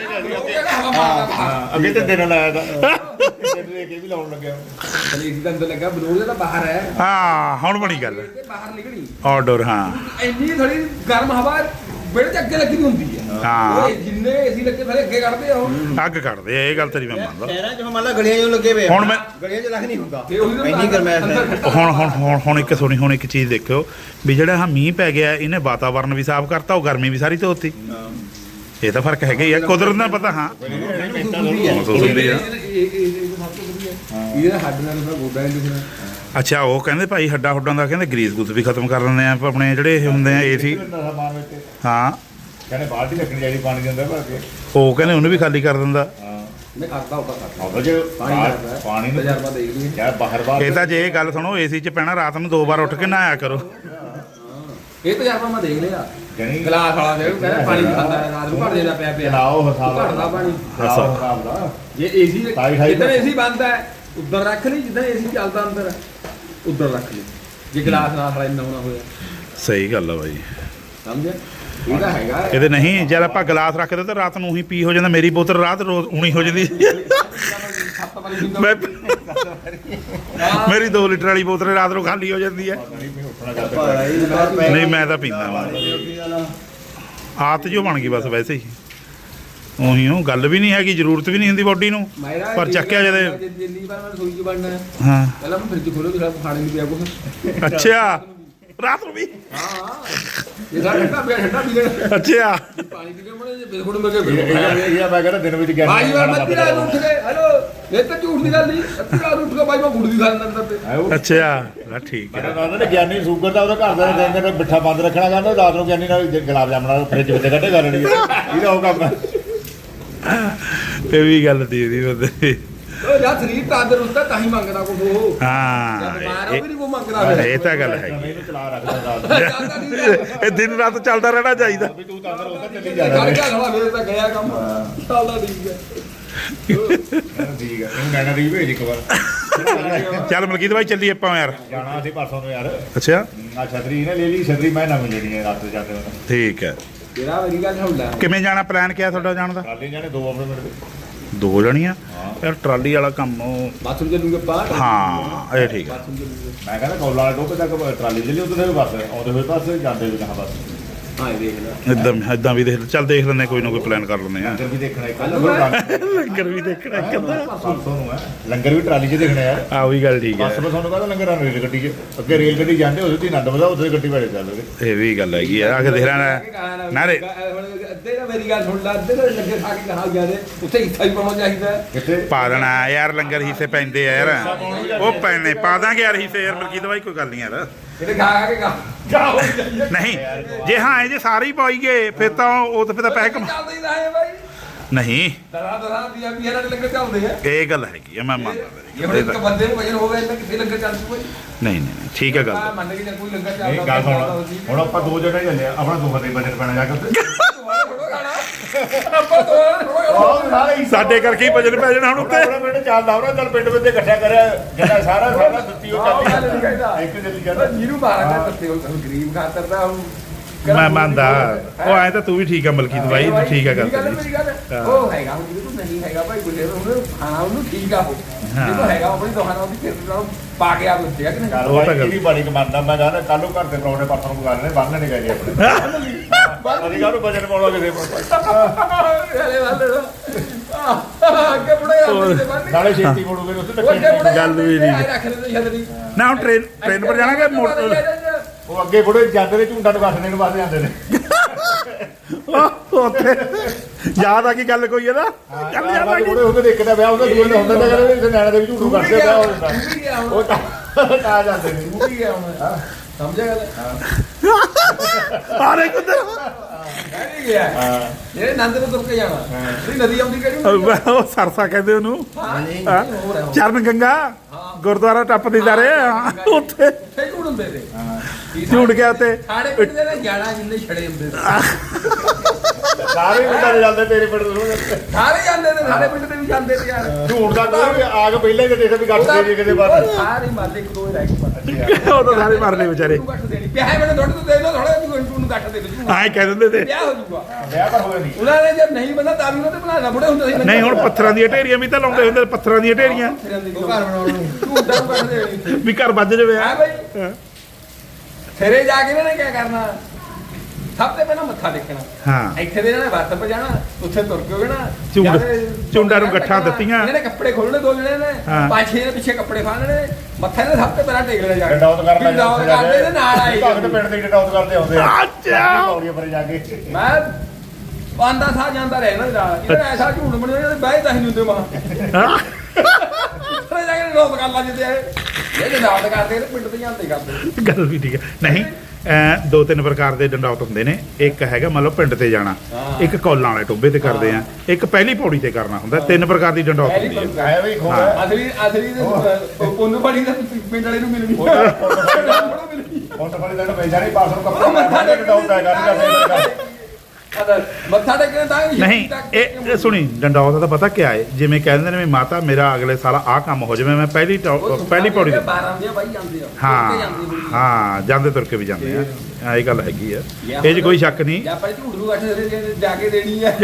Speaker 3: ਹਾਂ ਅੱਗੇ ਤੇ ਦਿਨ ਲਾਇਆ ਤਾਂ ਦਿਨ ਦੇ ਕੇ ਵੀ ਲਾਉਣ ਲੱਗਿਆ।
Speaker 1: ਏਸੀ ਦਾ ਅੰਦਰ ਲੱਗਾ, ਬਲੋਰ ਦਾ ਬਾਹਰ ਹੈ,
Speaker 2: ਹਾਂ ਹੁਣ ਬਣੀ ਗੱਲ
Speaker 1: ਤੇ ਬਾਹਰ ਨਿਕਲੀ
Speaker 2: ਆਊਟਡੋਰ। ਹਾਂ
Speaker 1: ਇੰਨੀ ਥੋੜੀ ਗਰਮ ਹਵਾ ਵਿਹੜੇ 'ਚ ਅੱਗੇ ਲੱਗੀ ਹੁੰਦੀ ਹੈ।
Speaker 2: ਹਾਂ।
Speaker 1: ਉਹ ਜਿੰਨੇ ਏਸੀ ਲੱਗੇ ਸਾਰੇ ਅੱਗੇ ਕੱਢਦੇ ਆ ਉਹ।
Speaker 2: ਅੱਗ ਕੱਢਦੇ ਆ, ਇਹ ਗੱਲ ਤੇਰੀ ਮੈਂ ਮੰਨਦਾ।
Speaker 6: ਸ਼ਹਿਰਾਂ 'ਚ ਮੰਨ ਲਾ ਗਲੀਆਂ 'ਚ ਲੱਗੇ ਪਏ,
Speaker 2: ਹੁਣ ਮੈਂ
Speaker 6: ਗਲੀਆਂ 'ਚ ਲੱਗ ਨਹੀਂ ਹੁੰਦਾ
Speaker 1: ਤੇ ਉਹੀ ਤਾਂ
Speaker 6: ਇੰਨੀ ਗਰਮੈਸ਼ ਹੈ।
Speaker 2: ਹੁਣ ਇੱਕ ਸੁਣੀ, ਹੁਣ ਇੱਕ ਚੀਜ਼ ਦੇਖਿਓ ਵੀ ਜਿਹੜਾ ਆਹ ਮੀਂਹ ਪੈ ਗਿਆ ਇਹਨੇ ਵਾਤਾਵਰਨ ਵੀ ਸਾਫ਼ ਕਰਤਾ, ਉਹ ਗਰਮੀ ਵੀ ਸਾਰੀ ਧੋਤੀ। ਇਹ ਤਾਂ ਫਰਕ ਹੈਗਾ ਹੀ ਆ, ਕੁਦਰਤ ਦਾ ਪਤਾ। ਹਾਂ ਮਹਿਸੂਸ ਹੁੰਦੀ ਆ।
Speaker 1: ਇਹਦੇ ਹੱਡ ਨਾਲ ਤਾਂ ਗੋਡਾ ਨਹੀਂ ਦਿਖਣਾ।
Speaker 2: ਅੱਛਾ ਉਹ ਕਹਿੰਦੇ ਭਾਈ ਹੱਡਾ ਹੁੱਡਾਂ ਦਾ ਕਹਿੰਦੇ ਗਰੀਸ ਗੁੱਸ ਵੀ ਖਤਮ ਕਰ ਦਿੰਦੇ ਆ ਆਪਣੇ ਜਿਹੜੇ ਇਹ ਹੁੰਦੇ ਆ ਏਸੀ। ਹਾਂ
Speaker 3: ਕਹਿੰਦੇ ਬਾਲਟੀ ਰੱਖਣੀ ਚਾਹੀਦੀ ਪਾਣੀ ਦੇ ਅੰਦਰ ਭਰ ਕੇ।
Speaker 2: ਉਹ ਕਹਿੰਦੇ ਉਹਨੂੰ ਵੀ ਖਾਲੀ ਕਰ ਦਿੰਦਾ।
Speaker 1: ਮੈਂ ਕਰਦਾ ਹੋਗਾ ਕਰਦਾ
Speaker 3: ਉਹ ਜੇ ਪਾਣੀ ਨੂੰ
Speaker 1: ਤਜਰਬਾ ਦੇਖ ਲਈ।
Speaker 3: ਯਾਰ ਬਾਹਰ
Speaker 2: ਇਹ ਤਾਂ ਜੇ ਇਹ ਗੱਲ ਸੁਣੋ, ਏਸੀ 'ਚ ਪੈਣਾ ਰਾਤ ਨੂੰ 2 ਵਾਰ ਉੱਠ ਕੇ ਨਹਾਇਆ ਕਰੋ।
Speaker 1: ਇਹ ਤਜਰਬਾ ਮੈਂ ਦੇਖ ਲਿਆ।
Speaker 3: ਜਣੀ
Speaker 1: ਗਲਾਸ ਵਾਲਾ ਦੇ ਕਹਿੰਦਾ ਪਾਣੀ ਨਹੀਂ ਖਾਂਦਾ, ਰਾਤ ਨੂੰ ਘੜ ਜਾਂਦਾ ਪਿਆ
Speaker 3: ਲਾਓ ਹਿਸਾਬ
Speaker 1: ਘੜਦਾ ਪਾਣੀ।
Speaker 3: ਹਿਸਾਬ ਦਾ
Speaker 1: ਜੇ ਏਸੀ ਜਿੱਦਾਂ ਏਸੀ ਬੰਦ ਹੈ ਉਧਰ ਰੱਖ ਲਈ, ਜਿੱਦਾਂ ਏਸੀ ਚੱਲਦਾ ਅੰਦਰ ਉਧਰ ਰੱਖ ਲਈ। ਜੇ ਗਲਾਸ ਨਾਲ ਸਾਲਾ ਇੰਨਾ ਹੋਣਾ ਹੋਇਆ,
Speaker 2: ਸਹੀ ਗੱਲ ਆ ਬਾਈ।
Speaker 1: ਸਮਝਿਆ? ਇਹਦਾ ਹੈਗਾ
Speaker 2: ਇਹਦੇ ਨਹੀਂ, ਜਦ ਆਪਾਂ ਗਲਾਸ ਰੱਖਦੇ ਤਾਂ ਰਾਤ ਨੂੰ ਹੀ ਪੀ ਹੋ ਜਾਂਦਾ। ਮੇਰੀ ਬੋਤਲ ਰਾਤ ਰੋਜ਼ ਉਣੀ ਹੋ ਜਾਂਦੀ। ਮੈਂ ਮੇਰੀ 2 ਲੀਟਰ ਵਾਲੀ ਬੋਤਲ ਰਾਤ ਨੂੰ ਖਾਲੀ ਹੋ ਜਾਂਦੀ ਹੈ। ਨਹੀਂ ਮੈਂ ਤਾਂ ਪੀਂਦਾ ਵਾ, ਆਦਤ ਜੋ ਬਣ ਗਈ ਬਸ ਵੈਸੇ ਹੀ। ਉਹੀ ਉਹ ਗੱਲ ਵੀ ਨਹੀਂ ਹੈਗੀ, ਜ਼ਰੂਰਤ ਵੀ ਨਹੀਂ ਹੁੰਦੀ ਬੋਡੀ ਨੂੰ, ਪਰ ਚੱਕਿਆ ਜਦੇ।
Speaker 1: ਜਿੰਨੀ ਵਾਰ ਮੈਂ ਰਸੋਈ 'ਚ ਵੜਨਾ ਹੈ,
Speaker 2: ਹਾਂ
Speaker 1: ਪਹਿਲਾਂ ਮੈਂ ਫ੍ਰਿਜ ਖੋਲੋ, ਫਿਰ ਖਾਣੇ ਨੂੰ ਪਿਆ ਕੁਛ।
Speaker 2: ਅੱਛਾ ਰਾਤ ਨੂੰ ਵੀ।
Speaker 1: ਹਾਂ ਇਹ ਠੰਡਾ ਪਿਆ, ਠੰਡਾ ਪੀ ਲੈਣਾ।
Speaker 2: ਅੱਛਾ
Speaker 1: ਪਾਣੀ ਪੀ ਕੇ ਮੜੇ ਜੇ ਬਿਲਕੁਲ ਮੈਂ
Speaker 3: ਇਹ ਮੈਂ ਕਹਿੰਦਾ ਦਿਨ ਵਿੱਚ ਗਿਆ
Speaker 1: ਭਾਈ ਵਾਰ ਮੱਤੀ ਰਾਤ ਨੂੰ ਉੱਠ ਗਏ। ਹੈਲੋ ਇਹ ਤਾਂ ਝੂਠ ਦੀ ਗੱਲ ਨਹੀਂ, ਅੱਧੀ ਰਾਤ ਨੂੰ ਉੱਠ ਕੇ ਭਾਈ ਮੈਂ ਗੁੜ ਵੀ ਖਾ ਲੈਂਦਾ ਅੰਦਰ ਤੇ।
Speaker 2: ਅੱਛਾ ਠੀਕ ਹੈ।
Speaker 3: ਕਹਿੰਦਾ ਨੇ ਗਿਆਨੀ ਸ਼ੂਗਰ ਦਾ ਉਹਦਾ ਘਰ ਦਾ ਦਿਨ ਮਿੱਠਾ ਬੰਦ ਰੱਖਣਾ, ਕਹਿੰਦਾ ਰਾਤ ਨੂੰ ਗਿਆਨੀ ਨਾਲ ਗੁਲਾਬ ਜਾਮਣਾ ਫ੍ਰਿਜ ਵਿੱਚ ਕੱਢੇ ਕਰ ਲੈਣੀ। ਇਹਦਾ ਉਹ ਕੰਮ ਹੈ।
Speaker 2: ਇਹ ਵੀ ਗੱਲ ਦੀ ਉਹਦੀ ਬੰਦੇ।
Speaker 1: ਉਹ ਯਾਰ ਸਰੀਰ ਤੰਦਰੁਸਤ ਹੈ ਤਾਂ ਹੀ ਮੰਗਦਾ ਕੁਛ ਉਹ।
Speaker 2: ਹਾਂ
Speaker 1: ਬਿਮਾਰ ਉਹ ਵੀ ਨਹੀਂ ਕੋ ਮੰਗਦਾ।
Speaker 2: ਇਹ ਤਾਂ ਗੱਲ ਹੈਗੀ।
Speaker 3: ਇਹਨੂੰ ਚਲਾ ਰੱਖਦਾ ਰਾਤ
Speaker 2: ਇਹ ਦਿਨ ਰਾਤ ਚੱਲਦਾ ਰਹਿਣਾ ਚਾਹੀਦਾ।
Speaker 3: ਵੀ ਤੂੰ ਤਾਂ ਉਹ ਤਾਂ ਚੱਲੀ
Speaker 1: ਖੜ
Speaker 3: ਜਾਣਾ।
Speaker 1: ਗਿਆ ਸਾਲਾ, ਮੇਰੇ ਤਾਂ ਗਿਆ ਕੰਮ ਚੱਲਦਾ ਠੀਕ ਹੈ।
Speaker 3: ਠੀਕ ਹੈ ਇਹਨੂੰ ਨੈਣਾ ਦੀ ਭੇਜ ਇੱਕ ਵਾਰ।
Speaker 2: ਚੱਲ ਮਲਕੀਤ ਭਾਈ ਚੱਲੀ ਆਪਾਂ ਯਾਰ।
Speaker 3: ਜਾਣਾ ਅਸੀਂ ਪਰਸੋਂ ਨੂੰ ਯਾਰ।
Speaker 2: ਅੱਛਾ
Speaker 3: ਆ ਛਤਰੀ ਇਹਨੇ ਲੈ ਲਈ, ਛਤਰੀ ਮੈਂ ਨਵੀਂ ਲੈਣੀ ਹੈ ਰਾਤ ਜਾਂਦੇ ਹੋਏ।
Speaker 2: ਠੀਕ ਹੈ।
Speaker 1: ਤੇਰਾ ਮੇਰੀ ਗੱਲ ਸੁਣ ਲੈ।
Speaker 2: ਕਿਵੇਂ ਜਾਣਾ, ਪਲਾਨ ਕਿਆ ਤੁਹਾਡਾ ਜਾਣ ਦਾ?
Speaker 3: ਟਰਾਲੀ ਜਾਣੇ 2 ਆਪਣੇ ਮਿੰਟ ਦੇ।
Speaker 2: 2 ਜਣੀਆਂ ਯਾਰ, ਟਰਾਲੀ ਵਾਲਾ ਕੰਮ ਉਹ।
Speaker 1: ਬਾਥਰੂਮ ਚੱਲੂਗੇ ਆਪਾਂ।
Speaker 2: ਹਾਂ ਇਹ ਠੀਕ ਹੈ।
Speaker 1: ਬਾਥਰੂਮ ਚੱਲੂਗੇ।
Speaker 3: ਮੈਂ ਕਹਿੰਦਾ ਕੋਲਾ ਵਾਲੇ ਟੋਪੇ ਤੱਕ ਟਰਾਲੀ ਚੱਲੀ, ਉੱਧਰ ਦੇ ਬੱਸ ਆਉਂਦੇ ਹੋਏ ਬੱਸ ਜਾਂਦੇ ਹੋਏ ਕਹਾਂ ਬੱਸ।
Speaker 1: ਹਾਂ ਇਹ ਦੇਖ ਲੈ
Speaker 2: ਇਦਾਂ ਵੀ ਦੇਖ ਚੱਲ ਦੇਖ ਲੈਂਦੇ ਕੋਈ ਨਾ ਕੋਈ ਪਲਾਨ ਕਰ ਲੈਂਦੇ ਆ
Speaker 3: ਲੰਗਰ ਵੀ ਦੇਖਣਾ ਇੱਕ
Speaker 2: ਲੰਗਰ ਵੀ ਦੇਖਣਾ ਇੱਕ ਅੱਧਾ
Speaker 3: ਪਰਸੋਂ ਨੂੰ ਹੈ ਲੰਗਰ ਵੀ ਟਰਾਲੀ 'ਚ ਦੇਖਣਾ ਯਾਰ
Speaker 2: ਆ ਉਹੀ ਗੱਲ ਠੀਕ
Speaker 3: ਬਸ
Speaker 2: ਹੈ
Speaker 3: ਮੈਂ ਤੁਹਾਨੂੰ ਕਹਿੰਦਾ ਲੰਗਰ ਆ ਰੇਲ ਗੱਡੀ 'ਚ ਅੱਗੇ ਰੇਲ ਗੱਡੀ ਜਾਂਦੇ ਉਹਦੇ ਤੇ ਆਨੰਦ ਵਧਾ ਉੱਥੇ ਗੱਡੀ ਵਾਲੇ ਚੱਲਦੇ
Speaker 2: ਇਹ ਵੀ ਗੱਲ ਹੈਗੀ ਆ ਕੇ ਦੇਖ ਲੈਣਾ ਨਾ ਰੇ
Speaker 1: ਅੱਧੇ ਨਾ ਮੇਰੀ ਗੱਲ ਸੁਣ ਲੈ ਅੱਧੇ ਨਾ ਲੱਗੇ ਖਾ ਕੇ ਕਹਾ ਗਿਆ ਦੇ ਉੱਥੇ ਹਿੱਸਾ ਹੀ ਪਾਉਣਾ ਚਾਹੀਦਾ
Speaker 3: ਕਿੱਥੇ
Speaker 2: ਪਾ ਦੇਣਾ ਯਾਰ ਲੰਗਰ ਹਿੱਸੇ ਪੈਂਦੇ ਆ ਯਾਰ ਉਹ ਪੈਣੇ ਪਾ ਦਾਂਗੇ ਯਾਰ ਹਿੱਸੇ ਯਾਰ ਮਲਕੀ ਦਵਾਈ ਕੋਈ ਗੱਲ ਨਹੀਂ ਯਾਰ
Speaker 1: ਇਹਨੇ ਖਾ ਕੇ ਕਹਾ
Speaker 2: ਨਹੀਂ ਜੇ ਹਾਂ ਇਹ ਜੇ ਸਾਰੇ ਹੀ ਪਾਈ ਗਏ ਫਿਰ ਤਾਂ ਉਹ ਤਾਂ ਫਿਰ ਤਾਂ ਪੈਸੇ ਕਮਾ
Speaker 1: ਚੱਲਦੇ ਹੀ ਰਹੇ ਬਾਈ
Speaker 2: ਨਹੀਂ
Speaker 1: ਦਰਾ ਦੀਆਂ ਨਾਲ ਲੰਗਰ ਚੱਲਦੇ ਆ
Speaker 2: ਇਹ ਗੱਲ ਹੈਗੀ ਆ ਮੈਂ ਮੰਨਦਾ
Speaker 1: ਇਹ ਹੁਣ ਇੱਕ ਬੰਦੇ ਨੂੰ ਵਜਨ ਹੋਵੇ ਤਾਂ ਕਿੱਥੇ ਲੰਗਰ ਚੱਲ ਜੂਗਾ
Speaker 2: ਨਹੀਂ ਠੀਕ ਹੈ ਗੱਲ
Speaker 1: ਮੈਂ ਮੰਨ ਕੇ ਜੇ ਕੋਈ ਲੰਗਰ
Speaker 3: ਇਹ
Speaker 1: ਚੱਲਦਾ
Speaker 3: ਗੱਲ ਸੁਣ ਹੁਣ ਆਪਾਂ ਦੋ ਜਣੇ ਚੱਲੇ ਆ ਆਪਣਾ ਦੋ ਫਤੇ ਬਜਟ ਪੈਣਾ ਜਾ ਕੇ ਉੱਥੇ
Speaker 1: ਆਪਾਂ ਤੋਂ
Speaker 3: ਉਹ ਸਾਰੇ ਹੀ
Speaker 2: ਸਾਡੇ ਕਰਕੇ ਹੀ ਭਜਨ ਪੈ ਜਾਣਾ ਹੁਣ ਉੱਤੇ
Speaker 3: ਆਪਣਾ ਪਿੰਡ ਚੱਲਦਾ ਉਹਨਾਂ ਚੱਲ ਪਿੰਡ ਵਿੱਚ ਇਕੱਠਾ ਕਰਿਆ ਜਿਹੜਾ ਸਾਰਾ ਦਿੱਤੀ ਉਹ ਚੱਲਦੀ ਇੱਕ ਜਲਦੀ ਜਾਂਦਾ
Speaker 1: ਜਿਹਨੂੰ ਮਾਰਾਂਗੇ ਦੱਸੇ ਉਹ ਗਰੀਬ ਖਾਤਰ ਦਾ
Speaker 2: ਮੈਂ ਮੰਨਦਾ ਉਹ ਐ ਤਾਂ ਤੂੰ ਵੀ ਠੀਕ ਆ ਮਲਕੀ ਦਵਾਈ ਠੀਕ ਆ ਗੱਲ
Speaker 1: ਮੇਰੀ ਗੱਲ ਉਹ ਹੈਗਾ ਹੁਣ ਜਿਹਨੂੰ ਨਹੀਂ ਹੈਗਾ ਭਾਈ ਗੁੱਲੇ ਉਹਨੂੰ ਖਾਣਾ ਉਹਨੂੰ ਠੀਕ ਆ ਉਹ ਜਿਹਨੂੰ ਹੈਗਾ ਆਪਣੀ ਦੁਕਾਨ ਉਹਦੀ ਫਿਰ ਨਾਲ ਪਾ ਕੇ ਆ ਬੱਚੇ ਆ ਕਿ ਨਹੀਂ
Speaker 2: ਉਹ ਤਾਂ ਗੱਲ।
Speaker 3: ਇਹ ਵੀ ਬੜੀ ਕਮਾਂਦਾ ਮੈਂ ਕਹਿੰਦਾ ਕੱਲ ਨੂੰ ਘਰ ਦੇ ਪਰੌਣੇ ਪਾਪਾ ਨੂੰ ਬੁਲਾ ਲੈਣੇ ਬੰਨ ਨਹੀਂ ਗਏ ਆਪਣੇ ਅਸੀਂ ਕਾਹਨੂੰ ਬਜਟ ਪਾਉਣਾ ਕਿਸੇ
Speaker 1: ਹਲੇ ਵਾਲੇ ਅੱਗੇ ਬੁੜੇ ਆ
Speaker 3: ਨਾਲੇ ਛੇਤੀ ਮੋੜੂਗੇ ਉੱਥੇ
Speaker 1: ਉਹ ਅੱਗੇ ਬੁੜੇ
Speaker 2: ਗੱਲ ਵੀ ਨਹੀਂ।
Speaker 1: ਰੱਖ ਲੈਂਦੇ ਛਤਰੀ
Speaker 2: ਨਾ ਹੁਣ ਟ੍ਰੇਨ ਪਰ ਜਾਣਾ ਕਿ ਮੋਟਰ
Speaker 3: ਉਹ ਅੱਗੇ ਬੁੜੇ ਜਾਂਦੇ ਨੇ ਝੁੰਡਾਂ ਨੂੰ ਕੱਟਣੇ ਨੂੰ ਵਾਸਤੇ ਜਾਂਦੇ ਨੇ
Speaker 2: ਉੱਥੇ ਯਾਦ ਆ ਕੀ ਗੱਲ ਕੋਈ ਇਹਦਾ ਚੱਲ ਯਾਦ ਆ
Speaker 3: ਬੁੜੇ ਹੁੰਦੇ ਦੇਖਦਾ ਵਿਆਹ ਹੁੰਦਾ ਦੂਏ ਨੇ ਹੁੰਦਾ ਤਾਂ ਕਹਿੰਦੇ ਇਸੇ ਨਿਆਣੇ ਦੇ ਵੀ ਝੂਠੂ ਕੱਟਦੇ ਵਿਆਹ ਹੋ ਜਾਂਦਾ ਉਹ ਤਾਂ ਜਾਂਦੇ ਨੇ
Speaker 1: ਉਹ ਵੀ ਗਿਆ ਹੁਣ ਸਮਝਿਆ ਗੱਲ
Speaker 2: ਆਰੇ ਕੁਦਰ
Speaker 1: ਨਹੀਂ ਗਿਆ ਜਿਹੜੇ ਨੰਦ ਨੂੰ ਤੁਰ ਕੇ ਜਾਣਾ ਜਿਹੜੀ ਨਦੀ ਆਉਂਦੀ ਕਿਹੜੀ
Speaker 2: ਉਹ ਸਰਸਾ ਕਹਿੰਦੇ ਉਹਨੂੰ
Speaker 1: ਹਾਂ ਹੋਰ ਹੈ
Speaker 2: ਚਰਨ ਗੰਗਾ ਗੁਰਦੁਆਰਾ ਟੱਪਦੇ ਜਾ ਰਹੇ ਆ ਉੱਥੇ
Speaker 1: ਉੱਥੇ ਝੂੜ ਹੁੰਦੇ ਤੇ
Speaker 2: ਝੂੜ ਗਿਆ ਉੱਤੇ
Speaker 1: ਸਾਡੇ ਪਿੰਡ ਦੇ ਨਾ ਜਾਣਾ ਜਿੰਨੇ ਛੜੇ ਹੁੰਦੇ ਸੀ
Speaker 3: ਸਾਰੇ ਪਿੰਡਾਂ ਦੇ ਜਾਂਦੇ ਤੇਰੇ ਪਿੰਡ ਤੋਂ
Speaker 1: ਸਾਰੇ ਜਾਂਦੇ ਨੇ ਸਾਡੇ ਪਿੰਡ ਦੇ ਵੀ ਜਾਂਦੇ ਤੇ ਯਾਰ
Speaker 3: ਝੂਠ ਦਾ ਕੋਈ ਆ ਕੇ ਪਹਿਲਾਂ ਹੀ ਦੇਖੇ ਵੀ ਗੱਟ ਦੇ ਜੀ ਕਿਤੇ ਬਾਅਦ
Speaker 1: ਸਾਰੇ ਮਾਰਦੇ ਇੱਕ ਦੋ ਹੀ ਰਹਿ ਗਏ
Speaker 2: ਉਹ ਤਾਂ ਸਾਰੇ ਮਰਨੇ ਵਿਚਾਰੇ
Speaker 1: ਤੂੰ ਕੱਟ ਦੇਣੀ ਪਿਆ ਮੈਨੂੰ ਥੋੜੇ ਤੋਂ ਦੇ ਲੋ ਥੋੜਾ ਤੂੰ ਕੱਟ ਦੇ ਦੇ
Speaker 2: ਆਏ ਕਹਿ ਦਿੰਦੇ ਤੇ
Speaker 1: ਵਿਆਹ ਹੋ ਜਾਊਗਾ
Speaker 3: ਵਿਆਹ ਤਾਂ ਹੋਇਆ ਨਹੀਂ
Speaker 1: ਉਹਨਾਂ ਨੇ ਜਦ ਨਹੀਂ ਬੰਦਾ ਤਾਂ ਵੀ ਉਹਨਾਂ ਤੇ ਬਣਾਣਾ ਬੁੜੇ ਹੁੰਦੇ ਸੀ
Speaker 2: ਨਹੀਂ ਹੁਣ ਪੱਥਰਾਂ ਦੀਆਂ ਢੇਰੀਆਂ ਵੀ ਤਾਂ ਲਾਉਂਦੇ ਹੁੰਦੇ ਪੱਥਰਾਂ ਦੀਆਂ ਢੇਰੀਆਂ
Speaker 1: ਘਰ ਬਣਾਉਣ ਨੂੰ ਤੂੰ ਉਦਾਂ ਨੂੰ ਕੱਟ ਦੇ
Speaker 2: ਵੀ ਘਰ ਵੱਜ ਜਾਵੇ
Speaker 1: ਹਾਂ ਬਈ ਸਿਰੇ ਜਾ ਕੇ ਇਹਨਾਂ ਨੇ ਕੀ ਕਰਨਾ ਸਭ ਤੋਂ ਪਹਿਲਾਂ ਮੱਥਾ ਟੇਕਣਾ
Speaker 2: ਹਾਂ
Speaker 1: ਇੱਥੇ ਦੇ ਇਹਨਾਂ ਨੇ ਵੱਤ ਪਰ ਜਾਣਾ ਉੱਥੇ ਤੁਰ ਕੇ ਹੋਗੇ ਨਾ
Speaker 2: ਝੁੰਡਾਂ ਨੂੰ ਗੱਠਾਂ ਦਿੱਤੀਆਂ
Speaker 1: ਇਹਨਾਂ ਨੇ ਕੱਪੜੇ ਖੋਲਣੇ ਦੋ ਜਣੇ ਨੇ
Speaker 2: ਹਾਂ।
Speaker 1: ਪੰਜ ਛੇ ਦੇ ਪਿੱਛੇ ਕੱਪੜੇ ਫਾੜਨੇ ਮੱਥਾ ਇਹਨੇ ਸਭ ਤੋਂ ਪਹਿਲਾਂ ਟੇਕ ਲੈਣਾ ਜਾ ਕੇ
Speaker 3: ਡਾਊਟ ਕਰ ਲੈ
Speaker 1: ਡਾਊਟ ਕਰਦੇ ਨੇ ਨਾਲ ਆਏ
Speaker 3: ਭਗਤ ਪਿੰਡ ਦੇ ਡਾਊਟ ਕਰਦੇ ਆਉਂਦੇ ਆ
Speaker 2: ਅੱਛਾ।
Speaker 3: ਪੌੜੀਆਂ ਪਰ ਜਾ ਕੇ
Speaker 1: ਮੈਂ ਆਂਦਾ ਸਾਹ ਜਾਂਦਾ ਰਿਹਾ ਨਾ ਨਾਲ ਇਹਨਾਂ ਐਸਾ ਝੂਠ ਬਣਿਆ ਇਹਦੇ ਬਾਈ ਤਾਂ ਹੀ ਨਹੀਂ ਹੁੰਦੇ ਮਾਂ ਉੱਥੇ ਜਾ ਕੇ ਲੋਕ ਕਰ ਲਾ ਜਿੱਦੇ ਇਹ ਡਾਊਟ ਕਰਦੇ ਨੇ ਪਿੰਡ ਤੇ ਜਾਂਦੇ ਕਰਦੇ
Speaker 2: ਗੱਲ ਵੀ ਠੀਕ ਹੈ ਨਹੀਂ ਦੋ ਤਿੰਨ ਪ੍ਰਕਾਰ ਦੇ ਡੰਡਾਉਟ ਹੁੰਦੇ ਨੇ ਇੱਕ ਹੈਗਾ ਮੰਨ ਲਓ ਪਿੰਡ ਤੇ ਜਾਣਾ ਇੱਕ ਕੌਲਾਂ ਵਾਲੇ ਟੋਬੇ ਤੇ ਕਰਦੇ ਆ ਇੱਕ ਪਹਿਲੀ ਪੌੜੀ ਤੇ ਕਰਨਾ ਹੁੰਦਾ ਤਿੰਨ ਪ੍ਰਕਾਰ ਦੀ ਡੰਡਾਉਟ ਹੁੰਦੀ ਹੈ
Speaker 3: ਆਇਆ ਵੀ ਖੋਆ
Speaker 1: ਅਸਲੀ ਪੁੰਨ ਬੜੀ ਦਾ ਪਿੰਡ ਵਾਲੇ ਨੂੰ ਮਿਲਣੀ
Speaker 3: ਹੁਣ ਤਾਂ ਬੜੀ ਦਿਨ ਪੈ ਜਾਣੀ ਪਾਸ ਨੂੰ ਕੱਪੜਾ ਮੱਥਾ ਟੇਕ ਡਾਊਟ ਹੈਗਾ ਨਹੀਂ
Speaker 1: ਮੱਥਾ ਟੇਕਣ ਤਾਂ
Speaker 2: ਨਹੀਂ ਇਹ ਸੁਣੀ ਡੰਡਾਉਟ ਦਾ ਪਤਾ ਕਿਆ ਹੈ ਜਿਵੇਂ ਕਹਿੰਦੇ ਨੇ ਵੀ ਮਾਤਾ ਮੇਰਾ ਅਗਲੇ ਸਾਲ ਆਹ ਕੰਮ ਹੋ ਜਾਵੇ ਮੈਂ ਪਹਿਲੀ ਪੌੜੀ ਤੇ
Speaker 1: 12 ਦੀਆਂ ਬਾਈ ਜਾਂਦੇ ਆ
Speaker 2: ਹਾਂ ਜਾਂਦੇ ਤੁਰ ਕੇ ਵੀ ਜਾਂਦੇ ਆ ਇਹ ਗੱਲ ਹੈਗੀ ਆ ਇਹ 'ਚ ਕੋਈ ਸ਼ੱਕ ਨਹੀਂ
Speaker 1: ਜਾਂ ਆਪਾਂ ਝੂਠ ਨੂੰ ਗੱਠ ਜਾ ਕੇ ਦੇਣੀ ਆ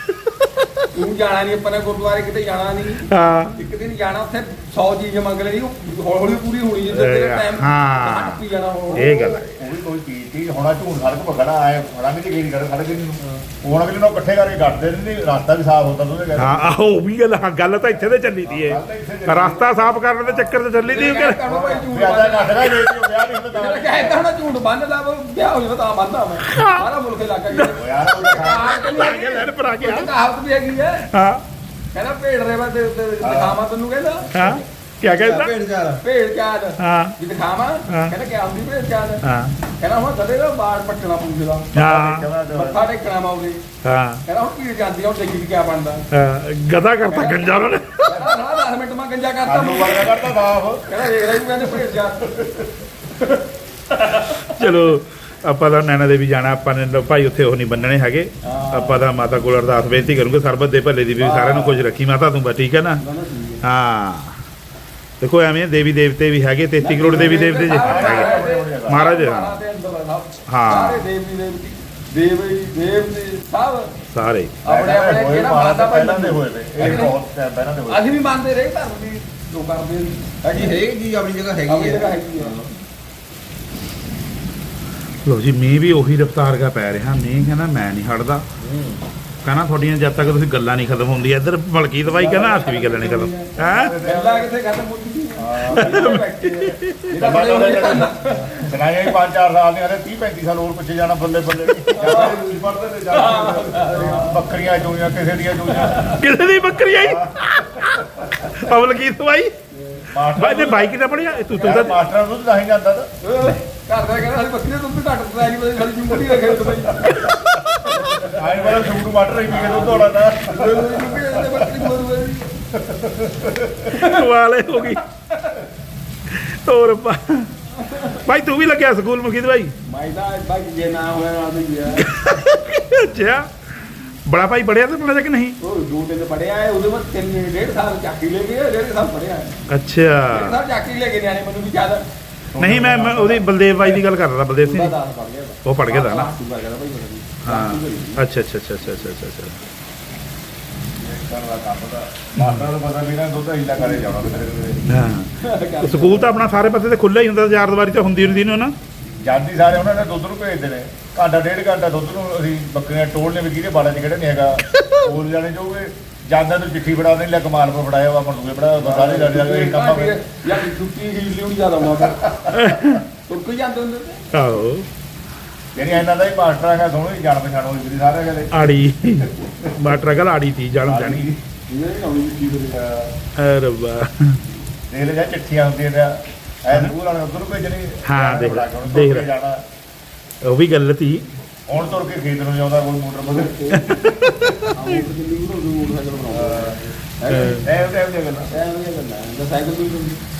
Speaker 1: ਤੂੰ ਜਾਣਾ ਨਹੀਂ ਆਪਾਂ ਨੇ ਗੁਰਦੁਆਰੇ ਕਿਤੇ ਜਾਣਾ ਨਹੀਂ
Speaker 2: ਹਾਂ
Speaker 1: ਇੱਕ ਦਿਨ ਜਾਣਾ ਉੱਥੇ 100 ਚੀਜ਼ ਮੰਗ ਲੈਣੀ ਹੌਲੀ ਹੌਲੀ ਪੂਰੀ ਹੋਣੀ ਜਿੱਦਾਂ ਤੇਰਾ ਟਾਈਮ
Speaker 2: ਹਾਂ।
Speaker 1: ਪੀ ਜਾਣਾ ਉਹ
Speaker 2: ਇਹ ਗੱਲ ਹੈ
Speaker 3: ਕੋਈ ਚੀਜ਼ ਹੋਣਾ ਝੂਠ ਸੜਕ ਪਰ ਖੜਾ ਆਏ ਫੜਾਂਗੇ ਜੀ ਗੇੜੀ ਕਰ ਸੜਕ ਨੂੰ ਹੁਣ ਅਗਲੇ ਨੂੰ ਇਕੱਠੇ ਕਰਕੇ ਕੱਟਦੇ ਨਹੀਂ ਰਸਤਾ ਵੀ ਸਾਫ਼ ਹੁੰਦਾ ਤੁਸੀਂ
Speaker 2: ਹਾਂ ਆਹੋ ਉਹ ਵੀ ਗੱਲ ਹਾਂ ਗੱਲ ਤਾਂ ਇੱਥੇ ਤੇ ਚੱਲੀ ਤੀ ਇਹ ਰਸਤਾ ਸਾਫ਼ ਕਰਨ ਦੇ ਚੱਕਰ 'ਚ ਚੱਲੀ ਤੀ
Speaker 1: ਕਰੋ ਭਾਈ ਝੂਠ
Speaker 3: ਵੀ ਆਦਾ ਘਟਦਾ ਜੇ ਵਿਆਹ ਨਹੀਂ ਹੁੰਦਾ
Speaker 1: ਜਿਹੜਾ ਕਹਿੰਦਾ ਹੁਣ ਝੂਠ ਬੰਨ ਲਾ ਵਿਆਹ ਹੋ ਜਾਵੇ ਤਾਂ ਬੰਨਦਾ ਮੈਂ ਸਾਰਾ ਮੁਲਕ ਇਲਾਕਾ ਗਿਆ
Speaker 3: ਯਾਰ ਉਹਦਾ
Speaker 2: ਲੈਣ ਪਰ ਆ ਗਿਆ
Speaker 1: ਕਹਾਵਤ ਵੀ ਹੈਗੀ ਹੈ
Speaker 2: ਹਾਂ
Speaker 1: ਕਹਿੰਦਾ ਭੇਡ ਰੇਵਾ ਤੇ ਦਿਖਾਵਾਂ ਤੈਨੂੰ ਕਹਿੰਦਾ
Speaker 2: ਹਾਂ ਕੀ ਕਹਿੰਦਾ
Speaker 1: ਭੇਡ ਚਾਲ
Speaker 2: ਹਾਂ
Speaker 1: ਵੀ ਦਿਖਾਵਾਂ ਕਹਿੰਦਾ ਕਿ ਆਉਂਦੀ ਭੇਡ ਚਾਲ
Speaker 2: ਹਾਂ
Speaker 1: ਕਹਿੰਦਾ ਹੁਣ ਕਦੇ ਦਾ ਬਾੜ ਪੱਟਣਾ ਪੂੰਜਦਾ
Speaker 2: ਹਾਂ
Speaker 1: ਮੱਥਾ ਟੇਕਣਾ ਮਾਉਗੇ
Speaker 2: ਹਾਂ
Speaker 1: ਕਹਿੰਦਾ ਹੁਣ ਕੀ ਜਾਂਦੀ ਆ ਹੁਣ ਦੇਖੀ ਕੀ ਬਣਦਾ
Speaker 2: ਗਦਾ ਕਰਤਾ ਗੰਜਾ ਉਹਨਾਂ ਨੇ
Speaker 1: ਕਹਿੰਦਾ 10 ਮਿੰਟ ਮੈਂ ਗੰਜਾ ਕਰਤਾ
Speaker 3: ਸਾਨੂੰ ਵਰਗਾ ਕਰਦਾ ਸਾਫ਼
Speaker 1: ਕਹਿੰਦਾ ਦੇਖ ਲੈ ਤੂੰ ਕਹਿੰਦੇ ਭੇਡ ਚਾਲ
Speaker 2: ਚਲੋ ਆਪਾਂ ਤਾਂ ਨੈਣਾ ਦੇਵੀ ਜਾਣਾ ਆਪਾਂ ਨੇ ਭਾਈ ਉੱਥੇ ਉਹ ਨਹੀਂ ਬੰਨਣੇ ਹੈਗੇ ਆਪਾਂ ਤਾਂ ਮਾਤਾ ਕੋਲ ਅਰਦਾਸ ਬੇਨਤੀ ਕਰੂੰਗੇ ਸਰਬਤ ਦੇ ਭਲੇ ਦੀ ਵੀ ਸਾਰਿਆਂ ਨੂੰ ਕੁਝ ਰੱਖੀ ਮਾਤਾ ਤੂੰ ਬਸ ਠੀਕ ਹੈ ਨਾ ਹਾਂ ਦੇਖੋ ਐਵੇਂ ਦੇਵੀ ਦੇਵਤੇ ਵੀ ਹੈਗੇ 33 ਕਰੋੜ ਦੇਵੀ ਦੇਵਤੇ ਜੀ ਹੈਗੇ ਮਹਾਰਾਜ ਹਾਂ
Speaker 1: ਸਾਰੇ ਦੇਵੀ ਦੇਵਤੀ ਦੇਵ ਸਭ
Speaker 2: ਸਾਰੇ
Speaker 1: ਆਪਣੇ ਆਪਣੇ ਜਿਹੜਾ ਮਾਤਾ
Speaker 3: ਪਹਿਲਾਂ ਦੇ ਹੋਏ ਵੇ ਇਹ ਬਹੁਤ ਟਾਈਮ ਪਹਿਲਾਂ ਦੇ ਹੋਏ
Speaker 1: ਅਸੀਂ ਵੀ ਮੰਨਦੇ ਰਹੇ ਧਰਮ ਦੀ ਲੋਕਾਂ ਦੇ
Speaker 6: ਜੀ ਹਰੇਕ ਚੀਜ਼ ਆਪਣੀ ਜਗ੍ਹਾ
Speaker 1: ਆਪਣੀ
Speaker 6: ਹੈਗੀ
Speaker 1: ਜਗ੍ਹਾ
Speaker 6: ਹੈ
Speaker 1: ਹੈਗੀ ਆ
Speaker 2: ਲੋ ਜੀ ਮੀਂਹ ਵੀ ਉਹੀ ਰਫਤਾਰ ਦਾ ਪੈ ਰਿਹਾ ਮੀਂਹ ਕਹਿੰਦਾ ਮੈਂ ਨਹੀਂ ਹਟਦਾ ਕਹਿੰਦਾ ਤੁਹਾਡੀਆਂ ਜਦ ਤੱਕ ਤੁਸੀਂ ਗੱਲਾਂ ਨਹੀਂ ਖਤਮ ਹੁੰਦੀਆਂ ਇੱਧਰ ਮਲਕੀਤ ਬਾਈ ਕਹਿੰਦਾ ਅਸੀਂ ਵੀ ਗੱਲਾਂ ਨਹੀਂ ਖਤਮ ਹੈ
Speaker 1: ਗੱਲਾਂ ਕਿੱਥੇ ਖਤਮ ਹੁੰਦੀ
Speaker 3: ਸੁਣਾਇਆ ਹੀ 5-4 ਸਾਲ ਦੀਆਂ 30-35 ਸਾਲ ਹੋਰ ਪਿੱਛੇ ਜਾਣਾ ਬੱਲੇ ਬੱਲੇ ਪੜਦੇ ਨੇ ਜਾ ਬੱਕਰੀਆਂ ਚੋਈਆਂ ਕਿਸੇ ਦੀਆਂ ਚੋਈਆਂ
Speaker 2: ਕਿਸੇ ਦੀ ਬੱਕਰੀ ਆਈ ਮਲਕੀਤ ਬਾਈ ਬਾਈ ਨੇ ਬਾਈ ਕਿੱਦਾਂ ਪੜਿਆ ਤੂੰ ਤਾਂ
Speaker 3: ਮਾਸਟਰਾਂ ਨੂੰ ਤਾਂ ਹੀ ਜਾਂਦਾ ਤਾਂ
Speaker 1: ਘਰ ਦਾ ਕਹਿੰਦਾ ਅਸੀਂ ਬੱਕਰੀ ਦਾ ਦੁੱਧ ਘੱਟ ਪਤਾ ਨਹੀਂ ਪਤਾ ਸਾਡੀ ਜੁੰਮੜੀ ਰੱਖੇ ਉੱਤੇ ਬਈ
Speaker 3: ਆਏ ਵਾਲਾ ਸ਼ੂਟ ਮਾਟਰ ਹੀ ਪੀ ਕੇ ਦੁੱਧ ਹੋਣਾ ਤਾਂ
Speaker 1: ਬੱਕਰੀ ਮਰੂ
Speaker 2: ਵਾਲੇ ਹੋ ਗਈ ਹੋਰ ਭਾਈ ਤੂੰ ਵੀ ਲੱਗਿਆ ਸਕੂਲ ਮਲਕੀਤ ਬਾਈ
Speaker 1: ਮਾਈਦਾ ਬਾਈ ਜੇ ਨਾ ਹੋਇਆ ਨਾ ਵੀ ਗਿਆ
Speaker 2: ਅੱਛਾ ਬੜਾ ਭਾਈ ਪੜਿਆ ਤਾਂ ਪੜਿਆ ਕਿ ਨਹੀਂ
Speaker 1: ਉਹ ਡੂਟੇ ਤੇ ਪੜਿਆ ਹੈ ਉਹਦੇ ਬਾਅਦ 3.5 ਸਾਲ ਚਾਕੀ ਲੈ ਗਏ 1.5 ਸਾਲ ਪੜਿਆ ਹੈ
Speaker 2: ਅੱਛਾ
Speaker 1: ਸਾਲ ਚਾਕੀ ਲੈ ਕੇ ਨਿਆਣੇ ਮੈਨੂੰ ਵੀ ਜ਼ਿਆਦਾ
Speaker 2: ਨਹੀਂ ਮੈਂ ਉਹਦੀ ਬਲਦੇਵ ਬਾਈ ਦੀ ਗੱਲ ਕਰ ਰਿਹਾ ਬਲਦੇਵ ਸਿੰਘ
Speaker 1: ਉਹਦਾ
Speaker 2: ਦੀ।
Speaker 1: ਦਾਸ ਪੜ ਗਿਆ
Speaker 2: ਉਹ ਪੜ ਗਿਆ ਤਾਂ ਨਾ
Speaker 1: ਸੁਬਾ ਗਿਆ ਭਾਈ ਬੜਾ
Speaker 2: ਹਾਂ ਅੱਛਾ ਅੱਛਾ ਅੱਛਾ ਅੱਛਾ ਅੱਛਾ ਅੱਛਾ
Speaker 3: ਕਰਦਾ ਕੰਮ ਦਾ ਮਾਸਟਰਾਂ ਨੂੰ ਪਤਾ ਵੀ ਨਾ ਦੁੱਧ ਹੀਲਾ ਕਰੇ ਜਾਣਾ ਕਿਤੇ
Speaker 2: ਹਾਂ ਸਕੂਲ ਤਾਂ ਆਪਣਾ ਸਾਰੇ ਪਾਸੇ ਤੇ ਖੁੱਲ੍ਹਾ ਹੀ ਹੁੰਦਾ ਚਾਰ ਦੀਵਾਰੀ ਤਾਂ ਹੁੰਦੀ ਹੁੰਦੀ ਨੇ ਨਾ
Speaker 3: ਜਾਂਦੀ ਸਾਰੇ ਉਹਨਾਂ ਨੇ ਦੁੱਧ ਨੂੰ ਭੇਜਦੇ ਨੇ ਘੰਟਾ 1.5 ਘੰਟਾ ਦੁੱਧ ਨੂੰ ਅਸੀਂ ਬੱਕਰੀਆਂ ਟੋਲਨੇ ਵੀ ਕਿਹਦੇ ਬਾੜਾ 'ਚ ਕਿਹੜਾ ਨਹੀਂ ਹੈਗਾ ਹੋਰ ਜਾਣੇ ਜਾਓਗੇ ਜਾਂਦਾ ਨੂੰ ਚਿੱਠੀ ਫੜਾ ਦੇਣੀ ਲੈ ਕਮਾਲ ਪਰ ਫੜਾਇਆ ਵਾ ਮਰਦੂਏ ਫੜਾ ਸਾਰੇ ਲੜ ਜਾਂਦੇ ਕੰਮ ਆ ਫਿਰ
Speaker 1: ਯਾਰ ਛੁੱਟੀ ਹੀ ਲਿਉਣੀ ਜ਼ਿਆਦਾ ਹੁੰਦਾ ਫਿਰ ਤੁਰ ਕੋਈ ਜਾਂਦੇ ਹੁੰਦੇ ਤੇ
Speaker 2: ਆਹੋ
Speaker 3: ਯਾਨੀ ਇਹਨਾਂ ਦਾ ਹੀ ਮਾਸਟਰ ਹੈਗਾ ਸੋਹਣੀ ਜਾਣ ਪਛਾਣ ਹੋਈ ਵੀ ਸਾਰੇ ਗਲੇ
Speaker 2: ਆੜੀ ਮਾਟਰ ਗੱਲ ਆੜੀ ਤੀ ਜਾਣ ਜਾਣੀ
Speaker 1: ਇਹ ਨਹੀਂ ਆਉਣੀ ਕੀ ਕਰੇ
Speaker 2: ਐ ਰੱਬਾ
Speaker 3: ਦੇਖ ਲੈ ਜਾਂ ਚਿੱਠੀਆਂ ਹੁੰਦੀਆਂ ਨੇ ਐ ਸਕੂਲ ਵਾਲੇ ਉਧਰ ਭੇਜਣੀ
Speaker 2: ਹਾਂ, ਦੇਖ ਲੈ,
Speaker 3: ਹੁਣ
Speaker 2: ਦੇਖ
Speaker 3: ਤੁਰ ਕੇ
Speaker 2: ਲੈ।
Speaker 3: ਜਾਣਾ
Speaker 2: ਉਹ ਵੀ ਗੱਲ ਤੀ
Speaker 3: ਹੁਣ ਤੁਰ ਕੇ ਖੇਤ ਨੂੰ ਜਾਂਦਾ ਕੋਈ ਮੋਟਰ ਬਗਰ
Speaker 1: ਆਉਂ ਦਿੱਲੀ ਨੂੰ ਮੋਟਰਸਾਈਕਲ ਬਣਾਉਂਦਾ
Speaker 3: ਇਹ ਦੀਆਂ ਗੱਲਾਂ
Speaker 1: ਇਹ ਵਧੀਆ ਗੱਲਾਂ ਹੈ ਸਾਈਕਲ ਵੀ